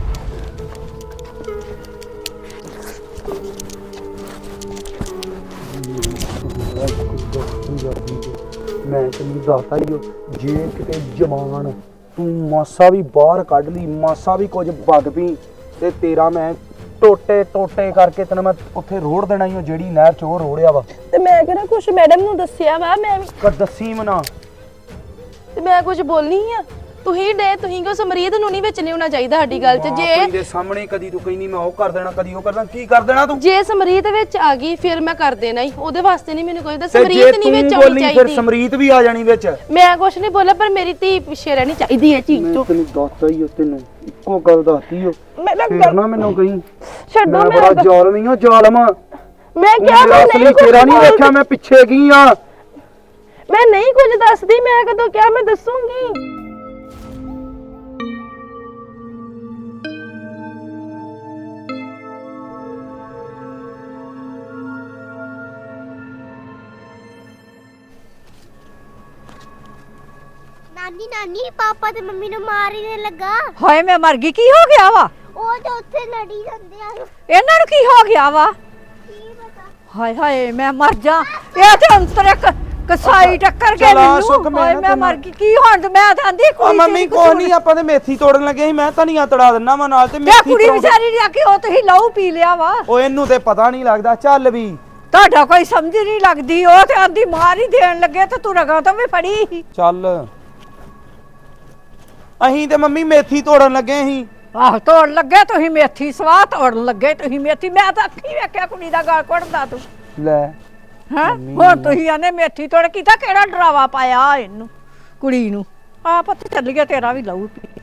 ਮੈਂ ਤੈਨੂੰ ਦੱਸਦਾ ਹੀ ਜੇ ਕਿਤੇ ਜਵਾਨ ਤੂੰ ਮਾਸਾ ਵੀ ਬਾਹਰ ਕੱਢ ਲਈ, ਮਾਸਾ ਵੀ ਕੁਝ ਵੱਧ ਪਈ ਤੇ ਤੇਰਾ ਮੈਂ ਟੋਟੇ ਟੋਟੇ ਕਰਕੇ ਤੈਨੂੰ ਮੈਂ ਉੱਥੇ ਰੋੜ ਦੇਣਾ ਹੀ, ਜਿਹੜੀ ਨਹਿਰ ਚ ਉਹ ਰੋੜਿਆ ਵਾ।
ਤੇ ਮੈਂ ਕਿਹੜਾ ਕੁਛ ਮੈਡਮ ਨੂੰ ਦੱਸਿਆ ਵਾ, ਮੈਂ ਵੀ
ਪਰ ਦੱਸੀ ਮਨਾ।
ਤੇ ਮੈਂ ਕੁਝ ਬੋਲਨੀ ਆ। ਤੁਸੀਂ ਕੋ ਸਮਰੀਤ ਨੂੰ ਨਹੀਂ ਵਿੱਚ ਨਹੀਂ ਹੋਣਾ ਚਾਹੀਦਾ ਸਾਡੀ ਗੱਲ 'ਚ। ਜੇ
ਦੇ ਸਾਹਮਣੇ ਕਦੀ ਤੂੰ ਕਹਿੰਦੀ ਮੈਂ ਉਹ ਕਰ ਦੇਣਾ, ਕਦੀ ਉਹ ਕਰਦਾ, ਕੀ ਕਰ ਦੇਣਾ ਤੂੰ?
ਜੇ ਸਮਰੀਤ ਵਿੱਚ ਆ ਗਈ ਫਿਰ ਮੈਂ ਕਰ ਦੇਣਾ ਹੀ, ਉਹਦੇ ਵਾਸਤੇ ਨਹੀਂ ਮੈਨੂੰ ਕੋਈ
ਤੇ
ਸਮਰੀਤ
ਜੇ
ਨਹੀਂ
ਤੂੰ
ਵਿੱਚ ਆਉਣੀ
ਬੋਲੀ ਫਿਰ
ਚਾਹੀਦੀ।
ਸਮਰੀਤ ਵੀ ਆ ਜਾਣੀ ਵਿੱਚ।
ਮੈਂ ਕੁਛ ਨਹੀਂ ਬੋਲਿਆ, ਪਰ ਮੇਰੀ ਧੀ ਪਿੱਛੇ ਰਹਿਣੀ ਚਾਹੀਦੀ ਹੈ ਚੀਜ਼ ਤੋਂ।
ਤੈਨੂੰ ਦੱਸਦਾ ਹੀ ਤੈਨੂੰ ਇੱਕੋ ਗੱਲ ਦੱਸਦੀ ਓ।
ਮੈਂ
ਫਿਰ ਨਾ ਮੈਨੂੰ ਕਹੀਂ
ਛੱਡੋ,
ਮੈਂ
ਮੈਂ
ਬੜਾ ਜ਼ਾਲਮ ਹਾਂ, ਜ਼ਾਲਮ ਆ।
ਮੈਂ ਕਿਹਾ ਮੈਂ
ਅਸਲੀ
ਨਹੀਂ
ਤੇਰਾ ਨਹੀਂ
ਕੁਝ
ਵੇਖਿਆ, ਮੈਂ ਪਿੱਛੇ ਕੀ ਆ।
ਮੈਂ ਨਹੀਂ ਕੁਝ ਦੱਸਦੀ, ਮੈਂ ਕਦੋਂ ਕਿਹਾ ਮੈਂ ਦੱਸੂਗੀ।
ਨਾਨੀ ਨਾਨੀ ਪਾਪਾ ਤੇ ਮੰਮੀ ਨੂੰ ਮਾਰ ਹੀ ਨਹੀਂ ਲੱਗਾ।
ਹਾਏ ਮੈਂ ਮਰ ਗਈ, ਕੀ ਹੋ ਗਿਆ ਵਾ?
ਉਹ ਤੇ ਉੱਥੇ ਲੜੀ ਜਾਂਦੇ ਆ।
ਇਹਨਾਂ ਨੂੰ ਕੀ ਹੋ ਗਿਆ ਵਾ?
ਕੀ ਪਤਾ।
ਹਾਏ ਹਾਏ ਮੈਂ ਮਰ ਜਾ। ਇਹ ਤੇ ਅੰਤਰ ਕਸਾਈ ਟੱਕਰ ਕੇ
ਚਲਾ ਸੁੱਕ
ਮੈਨੂੰ।
ਮੈਂ
ਹਾਏ
ਨਾ
ਮੈਂ
ਤੈਨੂੰ-
ਮਰ ਗਈ, ਕੀ ਹੁਣ ਤੇ ਮੈਂ ਤਾਂ ਆਂਦੀ
ਆ ਮੰਮੀ ਕੋਈ ਨਹੀਂ, ਆਪਾਂ ਤੇ ਮੇਥੀ ਤੋੜਨ ਲੱਗੇ ਸੀ, ਮੈਂ ਧਨੀਆ ਤੜਾ ਦਿੰਨਾ ਵਾ ਨਾਲ ਤੇ
ਤੇ
ਮੇਥੀ
ਕੁੜੀ
ਪਰੌਂਠੀ-
ਵਿਚਾਰੀ ਜਾ ਕੇ ਉਹ ਤੁਸੀਂ ਲਹੂ ਪੀ ਲਿਆ ਵਾ।
ਉਹ ਇਹਨੂੰ ਤੇ ਪਤਾ ਨਹੀਂ ਲੱਗਦਾ। ਚੱਲ ਵੀ
ਤੁਹਾਡਾ ਕੋਈ ਸਮਝ ਨਹੀਂ ਲੱਗਦੀ। ਉਹ ਤੇ ਆਂਦੀ ਮਾਰ ਹੀ ਦੇਣ ਲੱਗੇ ਤੇ ਤੂੰ ਰਗਾ ਤੋਂ ਵੀ ਫੜੀ ਸੀ।
ਚੱਲ। ਅਹੀਂ ਤੇ ਮੰਮੀ ਮੇਥੀ ਤੋੜਨ ਲੱਗੇ ਸੀ।
ਆਹ ਤੋੜ ਲੱਗੇ ਤੁਸੀਂ ਮੇਥੀ, ਸਵਾਹ ਤੋੜਨ ਲੱਗੇ ਤੁਸੀਂ ਮੇਥੀ। ਮੈਂ ਤਾਂ ਅੱਖੀ ਵੇਖਿਆ ਕੁੜੀ ਦਾ ਗਲ ਘੁੱਟਦਾ ਤੂੰ।
ਲੈ
ਹਾਂ ਹੁਣ ਤੁਸੀਂ ਆਨੇ ਮੇਥੀ ਤੋੜ ਕੀਤਾ, ਕਿਹੜਾ ਡਰਾਵਾ ਪਾਇਆ ਇਹਨੂੰ ਕੁੜੀ ਨੂੰ? ਆ ਪੁੱਤ ਚੱਲ ਗਿਆ, ਤੇਰਾ ਵੀ ਲਹੂ ਪੀ।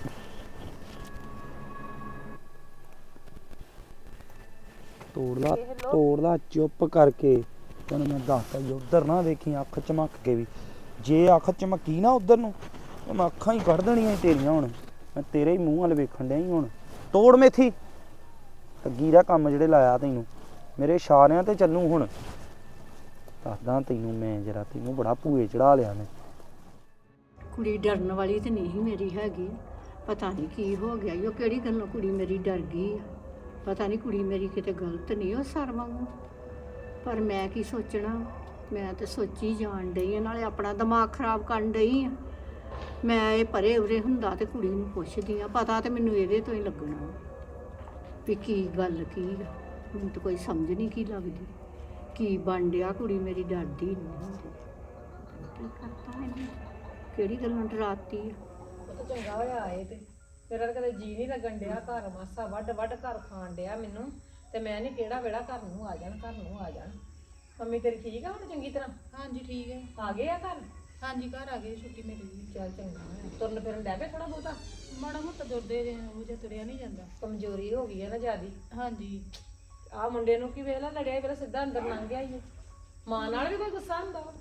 ਤੋੜ ਲਾ ਚੁੱਪ ਕਰਕੇ। ਤੈਨੂੰ ਮੈਂ ਦੱਸਦਾ ਜੀ, ਉਧਰ ਨਾ ਵੇਖੀ ਅੱਖ ਚਮਕ ਕੇ ਵੀ। ਜੇ ਅੱਖ ਚਮਕੀ ਨਾ ਉਧਰ ਨੂੰ ਤੇ ਮੈਂ ਅੱਖਾਂ ਹੀ ਕੱਢ ਦੇਣੀਆਂ ਸੀ ਤੇਰੀਆਂ। ਹੁਣ ਮੈਂ ਤੇਰੇ ਹੀ ਮੂੰਹ ਵੱਲ ਵੇਖਣ ਡਿਆ ਹੀ। ਹੁਣ ਤੋੜ ਮੇਥੀ, ਅੱਗੀ ਦਾ ਕੰਮ ਜਿਹੜੇ ਲਾਇਆ ਤੈਨੂੰ ਮੇਰੇ ਇਸ਼ਾਰਿਆਂ ਤੇ ਚੱਲੂ। ਹੁਣ ਦੱਸਦਾ ਤੈਨੂੰ ਮੈਂ, ਜਰਾ ਤੈਨੂੰ ਬੜਾ ਭੂਏ ਚੜਾ ਲਿਆ ਮੈਂ।
ਕੁੜੀ ਡਰਨ ਵਾਲੀ ਤੇ ਨਹੀਂ ਮੇਰੀ ਹੈਗੀ। ਪਤਾ ਨਹੀਂ ਕੀ ਹੋ ਗਿਆ, ਉਹ ਕਿਹੜੀ ਗੱਲੋਂ ਕੁੜੀ ਮੇਰੀ ਡਰ ਗਈ ਆ। ਪਤਾ ਨਹੀਂ ਕੁੜੀ ਮੇਰੀ ਕਿਤੇ ਗਲਤ ਨਹੀਂ ਉਹ ਸਰ ਵਾਂਗੂ। ਪਰ ਮੈਂ ਕੀ ਸੋਚਣਾ, ਮੈਂ ਤੇ ਸੋਚੀ ਜਾਣ ਡਈ ਆ, ਨਾਲੇ ਆਪਣਾ ਦਿਮਾਗ ਖਰਾਬ ਕਰਨ ਡਈ ਆ। ਮੈਂ ਇਹ ਪਰੇ ਉਰੇ ਹੁੰਦਾ ਤੇ ਕੁੜੀ ਨੂੰ ਪੁੱਛਦੀ ਆ, ਪਤਾ ਤੇ ਮੈਨੂੰ ਇਹਦੇ ਤੋਂ ਹੀ ਲੱਗਣਾ ਵੀ ਕੀ ਗੱਲ ਕੀ ਆ। ਮੈਨੂੰ ਤਾਂ ਕੋਈ ਸਮਝ ਨਹੀਂ ਕੀ ਲੱਗਦੀ ਕੀ ਬਣ ਡਿਆ। ਕੁੜੀ ਮੇਰੀ ਡਰਦੀ ਨਹੀਂ ਹੁੰਦੀ। ਕੀ ਕਰਤਾ ਇਹਨੇ, ਕਿਹੜੀ ਗੱਲਾਂ ਡਰਾਤੀ ਆ।
ਚੰਗਾ ਹੋਇਆ ਆਏ ਤੇ ਮੇਰਾ ਤਾਂ ਕਦੇ ਜੀ ਨਹੀਂ ਲੱਗਣ ਡਿਆ। ਘਰ ਮਾਸਾ ਵੱਡ ਘਰ ਖਾਣ ਡਿਆ ਮੈਨੂੰ, ਤੇ ਮੈਂ ਨਹੀਂ ਕਿਹੜਾ ਵੇੜਾ ਘਰ ਨੂੰ ਆ ਜਾਣ। ਮੰਮੀ ਤੇਰੀ ਠੀਕ ਆ ਹੁਣ ਚੰਗੀ ਤਰ੍ਹਾਂ?
ਹਾਂਜੀ ਠੀਕ ਹੈ।
ਆ ਗਏ ਆ ਘਰ?
ਹਾਂਜੀ ਘਰ ਆ ਗਏ, ਛੁੱਟੀ ਮਿਲ ਗਈ।
ਚੱਲ ਚੰਗਾ ਹੋਇਆ। ਤੁਰਨ ਫਿਰਨ ਡੈ ਪਏ ਥੋੜਾ ਬਹੁਤਾ?
ਮਾੜਾ ਮੋਟਾ ਦੁਰਦੇ ਉਹ ਜਿਹਾ ਤੁਰਿਆ ਨਹੀਂ ਜਾਂਦਾ।
ਕਮਜ਼ੋਰੀ ਹੋ ਗਈ ਹੈ ਨਾ ਜਿਆਦੀ।
ਹਾਂਜੀ
ਆ ਮੁੰਡੇ ਨੂੰ ਕੀ ਵੇਲਾ ਲੜਿਆ, ਵੇਲਾ ਸਿੱਧਾ ਅੰਦਰ ਲੰਘ ਗਿਆ ਹੀ। ਮਾਂ ਨਾਲ ਵੀ ਕੋਈ ਗੁੱਸਾ ਹੁੰਦਾ ਵਾ?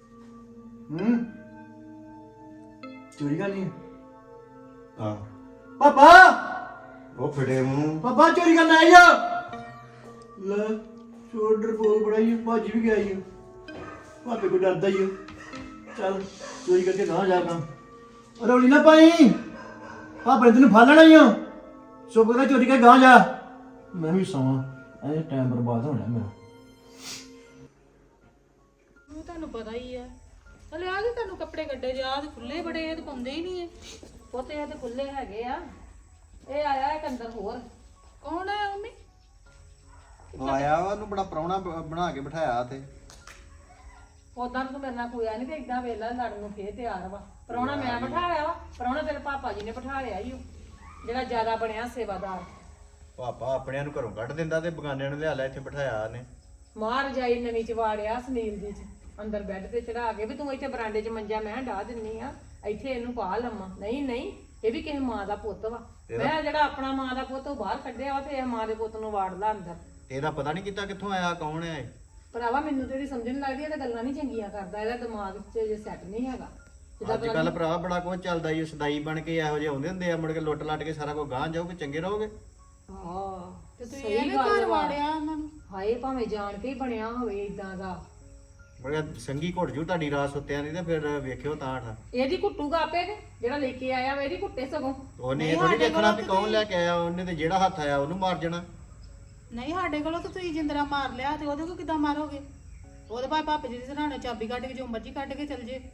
ਚੋਰੀ ਕਰਨੀ ਹੈ?
ਹਾਂ
ਪਾਪਾ
ਉਹ ਫੜੇ ਮੂੰਹ
ਪਾਪਾ ਚੋਰੀ ਕਰਨ ਆਈ ਆ ਲੈ ਸ਼ੋਲਡਰ ਬੋਲ ਬੜਾਈ ਭੱਜ ਵੀ ਗਿਆ ਈ ਭਾਪੇ ਕੋ ਡਰਦਾ ਹੀ ਚੱਲ ਚੋਰੀ ਕਰਕੇ ਨਾ ਜਾਗਾ ਰੌਲੀ ਨਾ ਪਾਈ ਭਾਪੇ ਤੈਨੂੰ ਫੜ ਲੈਣਾ ਹੀ ਆ ਚੁੱਪ ਕਰਕੇ ਚੋਰੀ ਕਰਕੇ ਗਾਂ ਜਾ ਮੈਂ ਵੀ ਸੌਂ ਐ ਟਾਈਮ ਬਰਬਾਦ ਹੋਣਾ ਮੇਰਾ
ਉਹ ਤੁਹਾਨੂੰ ਪਤਾ ਹੀ ਆ ਹਲੇ ਆ ਕੇ ਤੁਹਾਨੂੰ ਕੱਪੜੇ ਕੱਢੇ ਜੇ ਆਹ ਖੁੱਲੇ ਬੜੇ ਇਹ ਤਾਂ ਪਾਉਂਦੇ ਹੀ ਨਹੀਂ ਇਹ
ਪੁੱਤ ਇਹ ਤੇ ਖੁੱਲੇ ਹੈਗੇ ਆ ਇਹ ਆਇਆ ਇੱਕ ਅੰਦਰ ਹੋਰ
ਕੌਣ ਆ ਮੰਮੀ
ਆਇਆ ਵਾ ਉਹਨੂੰ ਬੜਾ ਪ੍ਰਾਹੁਣਾ ਬਣਾ ਕੇ ਬਿਠਾਇਆ ਤੇ
ਉਦਾਂ ਤੂੰ ਮੇਰੇ ਨਾਲ ਕੋਇਆ ਨਹੀਂ ਤੇ ਇਦਾਂ ਵੇਲਾ ਲੜਨ ਨੂੰ ਫੇਰ ਤਿਆਰ ਵਾ ਪ੍ਰਾਹੁਣਾ ਮੈਂ ਬਿਠਾਇਆ ਵਾ ਪ੍ਰਾਹੁਣਾ ਤੇਰੇ ਪਾਪਾ ਜੀ ਨੇ ਬਿਠਾ ਲਿਆ ਈ ਉਹ ਜਿਹੜਾ ਜ਼ਿਆਦਾ ਬਣਿਆ ਸੇਵਾਦਾਰ
ਪਾਪਾ ਆਪਣਿਆਂ ਨੂੰ ਘਰੋਂ ਕੱਢ ਦਿੰਦਾ ਤੇ ਬਗਾਨਿਆਂ ਨੂੰ ਲਿਆ ਲੈ ਇੱਥੇ ਬਿਠਾਇਆ ਉਹਨੇ
ਮਾਰ ਜਾਈ ਨਵੀਂ ਚ ਵਾੜਿਆ ਸੁਨੀਲ ਦੀ ਚ ਅੰਦਰ ਬੈੱਡ ਤੇ ਚੜਾ ਕੇ ਵੀ ਤੂੰ ਇੱਥੇ ਬਰਾਂਡੇ 'ਚ ਮੰਜਾ ਮੈਂ ਢਾ ਦਿੰਨੀ ਆ ਇੱਥੇ ਇਹਨੂੰ ਪਾ ਲੰਮਾ ਨਹੀਂ ਨਹੀਂ ਇਹ ਵੀ ਕਿਸੇ ਮਾਂ ਦਾ ਪੁੱਤ ਵਾ ਮੈਂ ਜਿਹੜਾ ਆਪਣਾ ਮਾਂ ਦਾ ਪੁੱਤ ਉਹ ਬਾਹਰ ਕੱਢਿਆ ਵਾ ਤੇ ਇਹ ਮਾਂ ਦੇ ਪੁੱਤ ਨੂੰ ਵਾੜ ਲਾ ਅੰਦਰ
ਇਹਦਾ ਪਤਾ ਨਹੀਂ ਕੀਤਾ ਕਿੱਥੋਂ ਆਇਆ ਕੌਣ ਹੈ ਇਹ
ਭਰਾਵਾ ਮੈਨੂੰ ਤੇ ਇਹਦੀ ਸਮਝ ਨਹੀਂ ਲੱਗਦੀ ਇਹ ਤਾਂ ਗੱਲਾਂ ਨਹੀਂ ਚੰਗੀਆਂ ਕਰਦਾ ਇਹਦਾ ਦਿਮਾਗ 'ਚ ਜੇ ਸੈੱਟ ਨਹੀਂ ਹੈਗਾ
ਅੱਜ ਕੱਲ ਭਰਾ ਬੜਾ ਕੁਝ ਚੱਲਦਾ ਈ ਸਦਾਈ ਬਣ ਕੇ ਇਹੋ ਜਿਹੇ ਆਉਂਦੇ ਹੁੰਦੇ ਆ ਮੁੜ ਕੇ ਲੁੱਟ ਲੱਟ ਕੇ ਸਾਰਾ ਕੁਝ ਗਾਂ ਜਾਓਗੇ ਚੰਗੇ ਰਹੋਗੇ
ਹਾਂ
ਤੇ ਤੁਸੀਂ ਇਹ ਘਰ ਵਾੜਿਆ ਉਹਨਾਂ ਨੂੰ
ਹਾਏ ਭਾਵੇਂ ਜਾਣ ਕੇ ਹੀ ਬਣਿਆ ਹੋਵੇ ਇਦਾਂ ਦਾ
ਮੁੜ ਕੇ ਸੰਗੀ ਘੁੱਟ ਜੂ ਤੁਹਾਡੀ ਰਾਤ ਸੁੱਤਿਆਂ ਦੀ ਤੇ ਫਿਰ ਵੇਖਿਓ ਤਾਂ ਠਾ
ਇਹਦੀ ਕੁੱਟੂਗਾ ਆਪੇ ਕਿ ਜਿਹੜਾ ਲੈ ਕੇ ਆਇਆ ਵਾ ਇਹਦੀ ਕੁੱਟੇ ਸਗੋਂ
ਉਹਨੇ ਇਹ ਥੋੜੀ ਦੇਖਣਾ ਵੀ ਕੌਣ ਲੈ ਕੇ ਆਇਆ ਉਹਨੇ ਤੇ ਜਿਹੜਾ ਹੱਥ ਆਇਆ ਉਹਨੂੰ ਮਾਰ ਜਾਣਾ
ਨਹੀਂ ਸਾਡੇ ਕੋਲੋਂ ਤਾਂ ਤੁਸੀਂ ਜਿੰਦਰਾ ਮਾਰ ਲਿਆ ਤੇ ਉਹਦੇ ਕੋਲ ਕਿੱਦਾਂ ਮਾਰੋਗੇ ਉਹਦੇ ਭਾਈ ਭਾਪੇ ਜੀ ਦੀ ਸਰਾਣੇ ਚਾਬੀ ਕੱਢ ਕੇ ਜੋ ਮਰਜ਼ੀ ਕੱਢ ਕੇ ਚੱਲ ਜੇ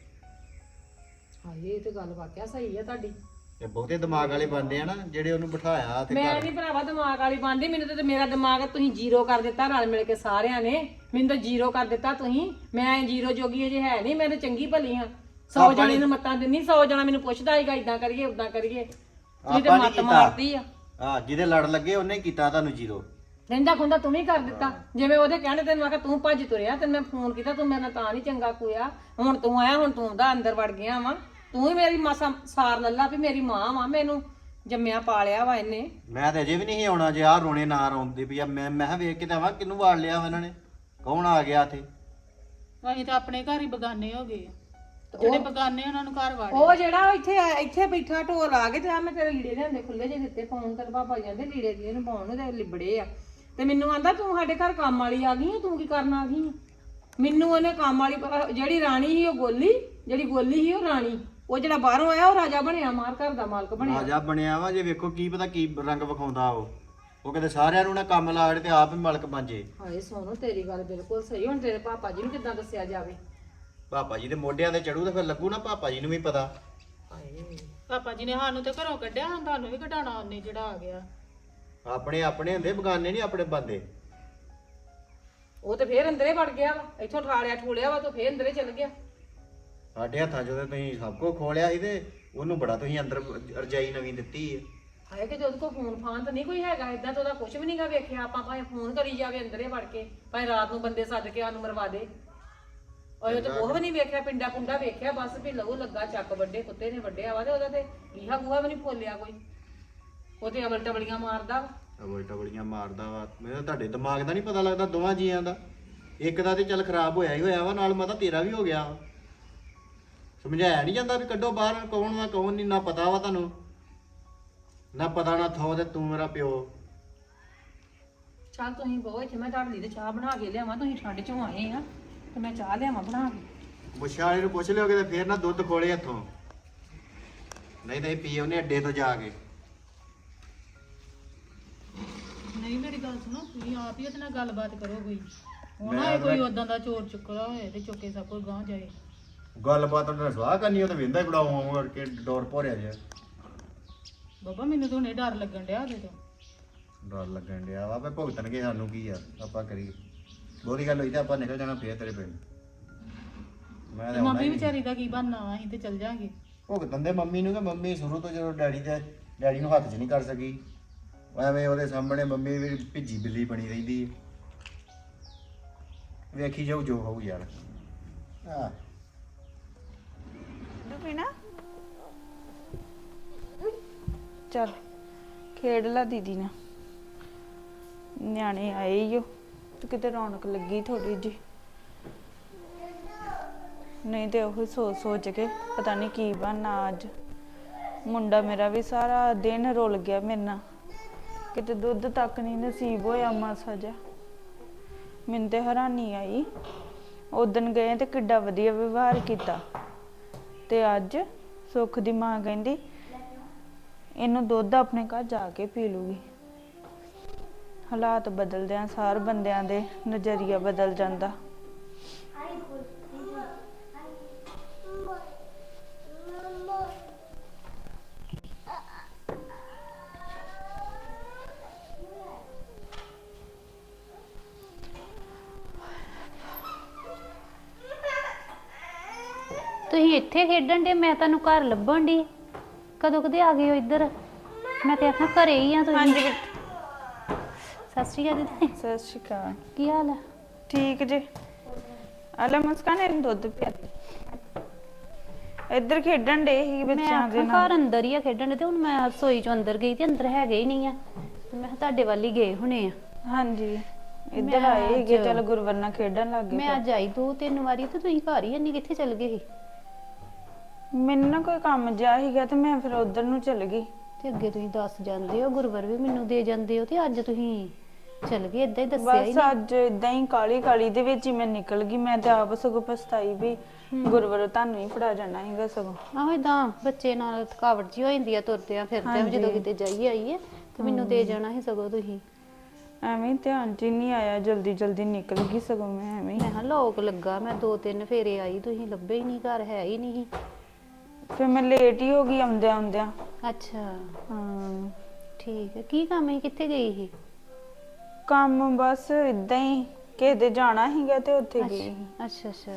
ਹਾਏ ਇਹ ਤੇ ਗੱਲ ਵਾਕਿਆ ਸਹੀ ਆ ਤੁਹਾਡੀ
ਤੇ ਬਹੁਤੇ ਦਿਮਾਗ ਵਾਲੇ ਬੰਦੇ ਆ ਨਾ ਜਿਹੜੇ ਉਹਨੂੰ ਬਿਠਾਇਆ ਤੇ
ਮੈਂ
ਘਰ
ਨਹੀਂ ਭਰਾਵਾ ਦਿਮਾਗ ਵਾਲੀ ਬਣਦੀ ਮੈਨੂੰ ਤੇ ਮੇਰਾ ਦਿਮਾਗ ਤੁਸੀਂ ਜ਼ੀਰੋ ਕਰ ਦਿੱਤਾ ਰਲ ਮਿਲ ਕੇ ਸਾਰਿਆਂ ਨੇ ਮੈਨੂੰ ਤਾਂ ਜ਼ੀਰੋ ਕਰ ਦਿੱਤਾ ਤੁਸੀਂ ਮੈਂ ਜ਼ੀਰੋ ਜੋਗੀ ਅਜੇ ਹੈ ਨਹੀਂ ਮੈਂ ਤਾਂ ਚੰਗੀ ਭਲੀ ਹਾਂ 100 ਜਣੇ ਨੂੰ ਮੱਤਾਂ ਦਿੰਨੀ 100 ਜਣਾ ਮੈਨੂੰ ਪੁੱਛਦਾ ਹੈਗਾ ਇਦਾਂ ਕਰੀਏ ਉਦਾਂ ਕਰੀਏ ਤੁਸੀਂ ਤੇ
ਆਪਾਂ ਨੀ
ਮੱਤ
ਕੀਤਾ।
ਮਾਰਦੀ ਆ
ਹਾਂ ਜਿਹਦੇ ਲੜ ਲੱਗੇ ਉਹਨੇ ਕੀਤਾ ਤੁਹਾਨੂੰ ਜ਼ੀਰੋ
ਰਹਿੰਦਾ ਖੁੰਦਾ ਤੂੰ ਵੀ ਕਰ ਦਿੱਤਾ ਜਿਵੇਂ ਉਹਦੇ ਕਹਿਣੇ ਤੈਨੂੰ ਆਖਿਆ ਤੂੰ ਭੱਜ ਤੁਰਿਆ ਤੈਨੂੰ ਮੈਂ ਫੋਨ ਕੀਤਾ ਤੂੰ ਮੇਰੇ ਨਾਲ ਤਾਂ ਨਹੀਂ ਚੰਗਾ ਕੋਇਆ ਹੁਣ ਤੂੰ ਆਇਆ ਹੁਣ ਤੂੰ ਉਹਦਾ ਅੰਦਰ ਵੜ ਗਿਆ ਵਾ ਤੂੰ ਹੀ ਮੇਰੀ ਮਾਸਾ ਸਾਰ ਲੱਲਾ ਵੀ ਮੇਰੀ ਮਾਂ ਵਾ ਮੈਨੂੰ ਜੰਮਿਆ ਪਾਲਿਆ ਵਾ ਇਹਨੇ
ਮੈਂ ਤੇ ਅਜੇ ਵੀ ਨਹੀਂ ਆਉਣਾ ਜੇ ਆਹ ਰੋਣੇ ਨਾ ਰੋਂਦੇ ਵੀ ਆ ਮੈਂ ਕਿਹਾ ਵੇਖ ਕੇ ਤਾਂ ਆਵਾਂ ਕਿਹਨੂੰ ਵਾੜ ਲਿਆ ਇਹਨਾਂ ਨੇ ਕੌਣ ਆ ਗਿਆ ਇੱਥੇ
ਅਸੀਂ ਤਾਂ ਆਪਣੇ ਘਰ ਹੀ ਬਗਾਨੇ ਹੋ ਗਏ ਆ ਜਿਹੜੇ ਬਗਾਨੇ ਉਹਨਾਂ ਨੂੰ ਘਰ ਵਾੜਿਆ
ਉਹ ਜਿਹੜਾ ਇੱਥੇ ਬੈਠਾ ਢੋਲ ਆ ਕੇ ਤੇ ਆ ਮੈਂ ਤੇਰੇ ਲੀੜੇ ਲਿਆਂਦੇ ਖੁੱਲੇ ਜੇ ਦਿੱਤੇ ਫੋਨ ਕਰ ਪਾਪਾ ਜਾਂਦੇ ਲੀੜੇ ਦੀ ਇਹਨੂੰ ਪਾਉਣ ਨੂੰ ਤੇ ਲਿਬੜੇ ਆ ਤੇ ਮੈਨੂੰ ਆਂਦਾ ਤੂੰ ਸਾਡੇ ਘਰ ਕੰਮ ਵਾਲੀ ਆ ਗਈ ਆ ਤੂੰ ਕੀ ਕਰਨ ਆ ਗਈ ਆ ਮੈਨੂੰ ਉਹਨੇ ਕੰਮ ਵਾਲੀ ਜਿਹੜੀ ਰਾਣੀ ਸੀ ਉਹ ਗੋਲੀ ਜਿਹੜੀ ਗੋਲੀ ਸੀ ਉਹ ਰਾਣੀ ਉਹ ਜਿਹੜਾ ਬਾਹਰੋਂ ਆਇਆ ਉਹ ਰਾਜਾ ਬਣਿਆ ਮਾਰ ਘਰ ਦਾ ਮਾਲਕ ਬਣਿਆ
ਰਾਜਾ ਬਣਿਆ ਵਾ ਜੇ ਵੇਖੋ ਕੀ ਪਤਾ ਕੀ ਰੰਗ ਵਿਖਾਉਂਦਾ ਉਹ ਕਹਿੰਦੇ ਸਾਰਿਆਂ ਨੂੰ ਨਾ ਕੰਮ ਲਾੜੇ ਤੇ ਆਪ ਹੀ ਮਾਲਕ ਬਣ ਜੇ
ਹਾਏ ਸੋਨੋ ਤੇਰੀ ਗੱਲ ਬਿਲਕੁਲ ਸਹੀ ਹੁਣ ਤੇਰੇ ਪਾਪਾ ਜੀ ਨੂੰ ਕਿੱਦਾਂ ਦੱਸਿਆ ਜਾਵੇ
ਪਾਪਾ ਜੀ ਦੇ ਮੋਢਿਆਂ ਤੇ ਚੜੂ ਤਾਂ ਫਿਰ ਲੱਗੂ ਨਾ ਪਾਪਾ ਜੀ ਨੂੰ ਵੀ ਪਤਾ
ਹਾਏ
ਪਾਪਾ ਜੀ ਨੇ ਸਾਨੂੰ ਤੇ ਘਰੋਂ ਕੱਢਿਆ ਹੁਣ ਤੁਹਾਨੂੰ ਵੀ ਘਟਾਣਾ ਉਹਨੇ ਜਿਹੜਾ ਆ ਗਿਆ
ਆਪਣੇ ਆਪਣੇ ਹੁੰਦੇ ਬਗਾਨੇ ਨਹੀਂ ਆਪਣੇ ਬੰਦੇ
ਉਹ ਤੇ ਫੇਰ ਅੰਦਰੇ ਵੜ ਗਿਆ ਵਾ ਇੱਥੋਂ ਠਾਲਿਆ ਠੂਲਿਆ ਵਾ ਤਾਂ ਫੇਰ ਅੰਦਰੇ ਚਲ ਗਿਆ
ਸਾਡੇ ਹੱਥਾਂ 'ਚ ਉਹਦੇ ਤੁਸੀਂ ਸਭ ਕੁਝ ਖੋਲਿਆ ਸੀ ਤੇ ਉਹਨੂੰ ਬੜਾ ਤੁਸੀਂ ਅੰਦਰ ਰਜਾਈ ਨਵੀਂ ਦਿੱਤੀ ਹੈ
ਹਾਏ ਕਿ ਉਹਦੇ ਕੋਲ ਫੋਨ ਫਾਨ ਤਾਂ ਨਹੀਂ ਕੋਈ ਹੈਗਾ ਇਦਾਂ ਤਾਂ ਉਹਦਾ ਕੁਝ ਵੀ ਨਹੀਂਗਾ ਵੇਖਿਆ ਆਪਾਂ ਭਾਵੇਂ ਫੋਨ ਕਰੀ ਜਾਵੇ ਅੰਦਰੇ ਵੜ ਕੇ ਭਾਵੇਂ ਰਾਤ ਨੂੰ ਬੰਦੇ ਸੱਦ ਕੇ ਸਾਨੂੰ ਮਰਵਾ ਦੇ ਉਹ ਤੇ ਉਹ ਵੀ ਨਹੀਂ ਵੇਖਿਆ ਪਿੰਡਾ ਪੁੰਡਾ ਵੇਖਿਆ ਬਸ ਵੀ ਲਹੂ ਲੱਗਾ ਚੱਕ ਵੱਡੇ ਕੁੱਤੇ ਨੇ ਵੱਡਿਆ ਵਾ ਤੇ ਉਹਦਾ ਤੇ ਲੀਹਾ ਗੂਹਾ ਵੀ ਨਹੀਂ ਫੋਲਿਆ ਕੋਈ ਉਹ ਤੇ ਅਵਲ ਟਵਲੀਆਂ ਮਾਰਦਾ ਵਾ
ਟਬਲੀਆਂ ਮਾਰਦਾ ਵਾ ਮੈਨੂੰ ਤੁਹਾਡੇ ਦਿਮਾਗ ਦਾ ਨਹੀਂ ਪਤਾ ਲੱਗਦਾ ਦੋਵਾਂ ਜੀਆਂ ਦਾ ਇੱਕ ਦਾ ਤੇ ਚੱਲ ਖਰਾਬ ਹੋਇਆ ਹੀ ਹੋਇਆ ਵਾ ਨਾਲ ਮਾਤਾ ਤੇਰਾ ਵੀ ਹੋ ਗਿਆ ਵਾ ਸਮਝਾਇਆ ਨਹੀਂ ਜਾਂਦਾ ਵੀ ਕੱਢੋ ਬਾਹਰ ਕੌਣ ਵਾ ਕੌਣ ਨਹੀਂ ਨਾ ਪਤਾ ਵਾ ਤੁਹਾਨੂੰ ਨਾ ਪਤਾ ਨਾ ਥੋ ਤੇ ਤੂੰ ਮੇਰਾ ਪਿਓ
ਚੱਲ ਤੁਸੀਂ ਬਹੁਤ ਇੱਥੇ ਮੈਂ ਤੁਹਾਡੇ ਲਈ ਤੇ ਚਾਹ ਬਣਾ ਕੇ ਲਿਆਵਾਂ ਤੁਸੀਂ ਠੰਡ ਚੋਂ ਆਏ ਆ ਤੇ ਮੈਂ ਚਾਹ ਲਿਆਵਾਂ ਬਣਾ ਕੇ
ਮੁੱਛਾਂ ਵਾਲੇ ਨੂੰ ਪੁੱਛ ਲਿਓਗੇ ਤੇ ਫੇਰ ਨਾ ਦੁੱਧ ਖੋਲੇ ਹੱਥੋਂ ਨਹੀਂ ਪੀ ਉਹਨੇ ਅੱਡੇ ਤੋਂ ਜਾ ਕੇ
ਨਹੀਂ ਮੇਰੀ ਗੱਲ ਸੁਣੋ ਤੁਸੀਂ ਆਪ ਹੀ ਉਹਦੇ ਨਾਲ ਗੱਲਬਾਤ ਕਰੋ ਕੋਈ ਉਹਨਾਂ ਕੋਈ ਉਦਾਂ ਦਾ ਚੋਰ ਚੁੱਕਦਾ ਹੋਏ ਤੇ ਚੁੱਕੇ ਸਭ ਕੋਈ ਗਾਂ ਜਾਏ
ਗੱਲਬਾਤ ਉਹਨਾਂ ਨਾਲ ਸਵਾਹ ਕਰਨੀ ਉਹ ਤਾਂ ਵਿੰਦਾ ਹੀ ਬੜਾ ਆਉਂ ਕਰਕੇ ਡੋਰ ਭੋਰਿਆ ਜਿਹਾ
ਬਾਬਾ ਮੈਨੂੰ ਤਾਂ ਹੁਣੇ ਡਰ ਲੱਗਣ ਡਿਆ ਉਹਦੇ ਤੋਂ
ਡਰ ਲੱਗਣ ਡਿਆ ਵਾ ਵੀ ਭੁਗਤਣਗੇ ਸਾਨੂੰ ਕੀ ਆ ਆਪਾਂ ਕਰੀਏ ਬਹੁਤੀ ਗੱਲ ਹੋਈ ਤਾਂ ਆਪਾਂ ਨਿਕਲ ਜਾਣਾ ਫੇਰ ਤੇਰੇ ਪਿੰਡ ਮੈਂ ਤਾਂ
ਮੰਮੀ ਵਿਚਾਰੀ ਦਾ ਕੀ ਬਣਨਾ ਵਾ ਅਸੀਂ ਤੇ ਚੱਲ ਜਾਾਂਗੇ
ਭੁਗਤਣ ਦੇ ਮੰਮੀ ਨੂੰ ਕਿ ਮੰਮੀ ਸ਼ੁਰੂ ਤੋਂ ਜਦੋਂ ਡੈਡੀ ਨੂੰ ਹੱਥ 'ਚ ਨਹੀਂ ਕਰ ਸਕੀ ਐਵੇਂ ਉਹਦੇ ਸਾਹਮਣੇ ਮੰਮੀ ਵੀ ਭਿੱਜੀ ਬਿੱਲੀ ਬਣੀ ਰਹਿੰਦੀ ਵੇਖੀ ਜਾਊ ਜੋ ਹੋਊ ਯਾਰ ਆ
ਚੱਲ ਖੇਡ ਲਾ ਦੀਦੀ ਨਾਲ ਨਿਆਣੇ ਆਏ ਈ ਓ ਤੇ ਕਿਤੇ ਰੌਣਕ ਲੱਗੀ ਥੋੜੀ ਜੀ ਨਹੀਂ ਤੇ ਉਹ ਸੋਚ ਕੇ ਪਤਾ ਨਹੀਂ ਕੀ ਬਣਨਾ ਅੱਜ
ਮੁੰਡਾ ਮੇਰਾ ਵੀ ਸਾਰਾ ਦਿਨ ਰੁਲ ਗਿਆ ਮੇਰੇ ਨਾਲ, ਕਿਤੇ ਦੁੱਧ ਤੱਕ ਨਹੀਂ ਨਸੀਬ ਹੋਇਆ ਮਾਸਾ ਜਿਹਾ। ਮੈਨੂੰ ਤੇ ਹੈਰਾਨੀ ਆਈ, ਉਦਣ ਗਏ ਤੇ ਕਿੱਡਾ ਵਧੀਆ ਵਿਵਹਾਰ ਕੀਤਾ, ਤੇ ਅੱਜ ਸੁੱਖ ਦੀ ਮਾਂ ਕਹਿੰਦੀ ਇਹਨੂੰ ਦੁੱਧ ਆਪਣੇ ਘਰ ਜਾ ਕੇ ਪੀ ਲੂਗੀ। ਹਾਲਾਤ ਬਦਲਦਿਆਂ ਸਾਰ ਬੰਦਿਆਂ ਦੇ ਨਜ਼ਰੀਆ ਬਦਲ ਜਾਂਦਾ।
ਤੁਸੀਂ ਇੱਥੇ ਖੇਡਣ ਦੇ, ਮੈਂ ਤੁਹਾਨੂੰ ਘਰ ਲੱਭਣ ਦੀ। ਕਦੋਂ ਕਦੇ ਆ ਗਏ ਹੋ ਇੱਧਰ? ਮੈਂ ਤੇ ਆਖਾਂ ਘਰੇ ਹੀ ਆ ਤੁਸੀਂ।
ਹਾਂਜੀ
ਸਤਿ ਸ਼੍ਰੀ ਅਕਾਲ ਦੀਦੀ।
ਸਤਿ ਸ਼੍ਰੀ ਅਕਾਲ।
ਕੀ ਹਾਲ ਹੈ?
ਠੀਕ ਜੇ। ਆਲਾ ਮੁਸਕਾਨ ਇਹਨੂੰ ਦੁੱਧ ਪਿਆ। ਇੱਧਰ ਖੇਡਣ ਡੇ ਸੀ
ਮੈਂ
ਬੱਚਿਆਂ ਦੇ
ਆਖਾਂ
ਨਾਲ।
ਘਰ ਅੰਦਰ ਹੀ ਆ ਖੇਡਣ ਦੇ, ਤੇ ਹੁਣ ਮੈਂ ਰਸੋਈ ਚੋਂ ਅੰਦਰ ਗਈ ਤੇ ਅੰਦਰ ਹੈਗੇ ਹੀ ਨਹੀਂ ਆ, ਤੇ ਮੈਂ ਕਿਹਾ ਤੁਹਾਡੇ ਵੱਲ ਹੀ ਗਏ ਹੋਣੇ ਆ।
ਹਾਂਜੀ ਇੱਧਰ
ਮੈਂ
ਆਏ ਸੀਗੇ,
ਅੱਜ-
ਚਲ ਗੁਰਵਰ ਨਾਲ ਖੇਡਣ ਲੱਗ ਗਏ।
ਮੈਂ ਅੱਜ ਆਈ 2-3 ਵਾਰੀ ਤੇ ਤੁਸੀਂ ਘਰ ਹੀ ਨਹੀਂ, ਕਿੱਥੇ ਚਲ ਗਏ ਸੀ?
ਮੈਨੂੰ ਨਾ ਕੋਈ ਕੰਮ ਜਿਹਾ ਸੀਗਾ ਤੇ ਮੈਂ ਫਿਰ ਉਧਰ ਨੂੰ ਚਲ ਗਈ।
ਤੇ ਅੱਗੇ ਤੁਸੀਂ ਦੱਸ ਜਾਂਦੇ ਹੋ, ਗੁਰਵਰ ਵੀ ਮੈਨੂੰ ਦੇ ਜਾਂਦੇ ਹੋ, ਤੇ ਅੱਜ ਤੁਸੀਂ ਚਲ ਗਏ ਇਦਾਂ ਹੀ ਦੱਸਿਆ ਹੀ
ਬਸ
ਨਹੀਂ।
ਅੱਜ ਇਦਾਂ ਹੀ ਕਾਲੀ ਕਾਲੀ ਦੇ ਵਿੱਚ ਹੀ ਮੈਂ ਨਿਕਲ ਗਈ। ਮੈਂ ਤੇ ਆਪ ਸਗੋਂ ਪਛਤਾਈ ਵੀ ਗੁਰਵਰ ਤੁਹਾਨੂੰ ਹੀ ਫੜਾ ਜਾਣਾ ਸੀਗਾ ਸਗੋਂ।
ਆਹੋ ਇਦਾਂ ਬੱਚੇ ਨਾਲ ਥਕਾਵਟ ਜੀ ਹੋ ਜਾਂਦੀ ਆ, ਤੁਰਦਿਆਂ ਫਿਰਦਿਆਂ ਵੀ ਜਦੋਂ ਕਿਤੇ ਜਾਈਏ ਆਈਏ, ਤੇ ਮੈਨੂੰ ਦੇ ਜਾਣਾ ਸੀ ਸਗੋਂ ਤੁਸੀਂ।
ਐਵੇਂ ਧਿਆਨ ਚ ਹੀ ਨਹੀਂ ਆਇਆ, ਜਲਦੀ ਜਲਦੀ ਨਿਕਲ ਗਈ ਸਗੋਂ ਮੈਂ ਐਵੇਂ।
ਮੈਂ ਕਿਹਾ ਲੋਕ ਲੱਗਾ, ਮੈਂ 2-3 ਫੇਰੇ ਆਈ, ਤੁਸੀਂ ਲੱਭੇ ਹੀ ਨਹੀਂ, ਘਰ ਹੈ ਹੀ ਨਹੀਂ।
ਫਿਰ ਮੈਂ ਲੇਟ ਹੀ ਹੋ ਗਈ ਆਉਂਦਿਆਂ ਆਉਂਦਿਆਂ।
ਅੱਛਾ
ਹਾਂ
ਠੀਕ ਹੈ। ਕੀ ਕੰਮ ਹੈ, ਕਿੱਥੇ ਗਈ ਸੀ?
ਕੰਮ ਬਸ ਇਦਾਂ ਹੀ, ਕਿਸੇ ਦੇ ਜਾਣਾ ਸੀਗਾ ਤੇ ਉੱਥੇ ਗਈ ਸੀ।
ਅੱਛਾ ਅੱਛਾ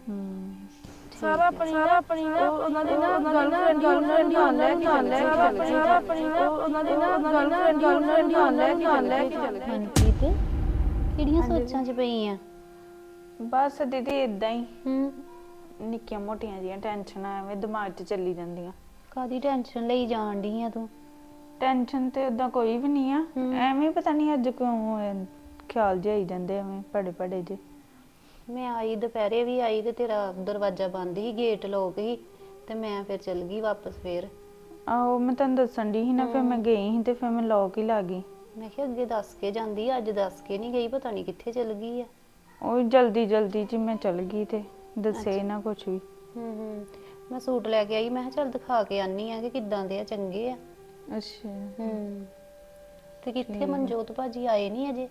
ਸਾਰਾ ਆਪਣੀ ਨਾ ਉਹਨਾਂ ਦੀ ਨਾ ਗਰਲਫ੍ਰੈਂਡ ਨਾਲ ਲੈ ਕੇ ਚੱਲੇ, ਸਾਰਾ ਆਪਣੀ ਨਾ ਉਹਨਾਂ ਦੀ ਨਾ ਗਰਲਫ੍ਰੈਂਡ ਨਾਲ ਲੈ ਕੇ ਚੱਲੇ।
ਮਨਪ੍ਰੀਤ ਕਿਹੜੀਆਂ ਸੋਚਾਂ 'ਚ ਪਈ ਆ?
ਬਸ ਦੀਦੀ ਇਦਾਂ ਹੀ
ਹੂੰ
ਨਿੱਕੀਆਂ ਮੋਟੀਆਂ ਜੀਆਂ ਟੈਨਸ਼ਨਾਂ ਐਵੇਂ ਦਿਮਾਗ 'ਚ ਚੱਲੀ ਜਾਂਦੀਆਂ।
ਕਾਦੀ ਟੈਨਸ਼ਨ ਲਈ ਜਾਣ ਡਈ ਆ ਤੂੰ?
ਟੈਨਸ਼ਨ ਤੇ ਉਦਾਂ ਕੋਈ ਵੀ ਨਹੀਂ ਆ, ਐਵੇਂ ਪਤਾ ਨਹੀਂ ਅੱਜ ਕਿਉਂ ਖਿਆਲ ਜਿਹੇ ਆਈ ਜਾਂਦੇ ਐਵੇਂ ਪੜੇ ਪੜੇ ਜੇ।
ਮੈਂ ਆਈ ਦੁਪਹਿਰੇ ਵੀ ਆਈ ਤੇ ਤੇਰਾ ਦਰਵਾਜ਼ਾ ਬੰਦ ਸੀ, ਗੇਟ ਲੋਕ ਸੀ, ਤੇ ਮੈਂ ਫਿਰ ਚਲ ਗਈ ਵਾਪਸ ਫੇਰ।
ਆਹੋ ਮੈਂ ਤੁਹਾਨੂੰ ਦੱਸਣ ਦੀ ਸੀ ਨਾ, ਫਿਰ ਮੈਂ ਗਈ ਸੀ ਤੇ ਫਿਰ ਮੈਂ ਲੋਕ ਹੀ ਲਾ ਗਈ।
ਮੈਂ ਕਿਹਾ ਅੱਗੇ ਦੱਸ ਕੇ ਜਾਂਦੀ, ਅੱਜ ਦੱਸ ਕੇ ਨਹੀਂ ਗਈ, ਪਤਾ ਨਹੀਂ ਕਿੱਥੇ ਚਲ ਗਈ ਆ।
ਉਹ ਜਲਦੀ ਜਲਦੀ ਚ ਮੈਂ ਚਲ ਗਈ ਤੇ ਦੱਸੇ ਨਾ ਕੁਛ ਵੀ।
ਮੈਂ ਸੂਟ ਲੈ ਕੇ ਆਈ, ਮੈਂ ਕਿਹਾ ਚੱਲ ਦਿਖਾ ਕੇ ਆਨੀ ਆ ਕਿ ਕਿੱਦਾਂ ਦੇ ਆ, ਚੰਗੇ ਆ।
ਅੱਛਾ
ਤੇ ਕਿੱਥੇ ਮਨਜੋਤ ਭਾਜੀ ਆਏ ਨਹੀਂ ਅਜੇ?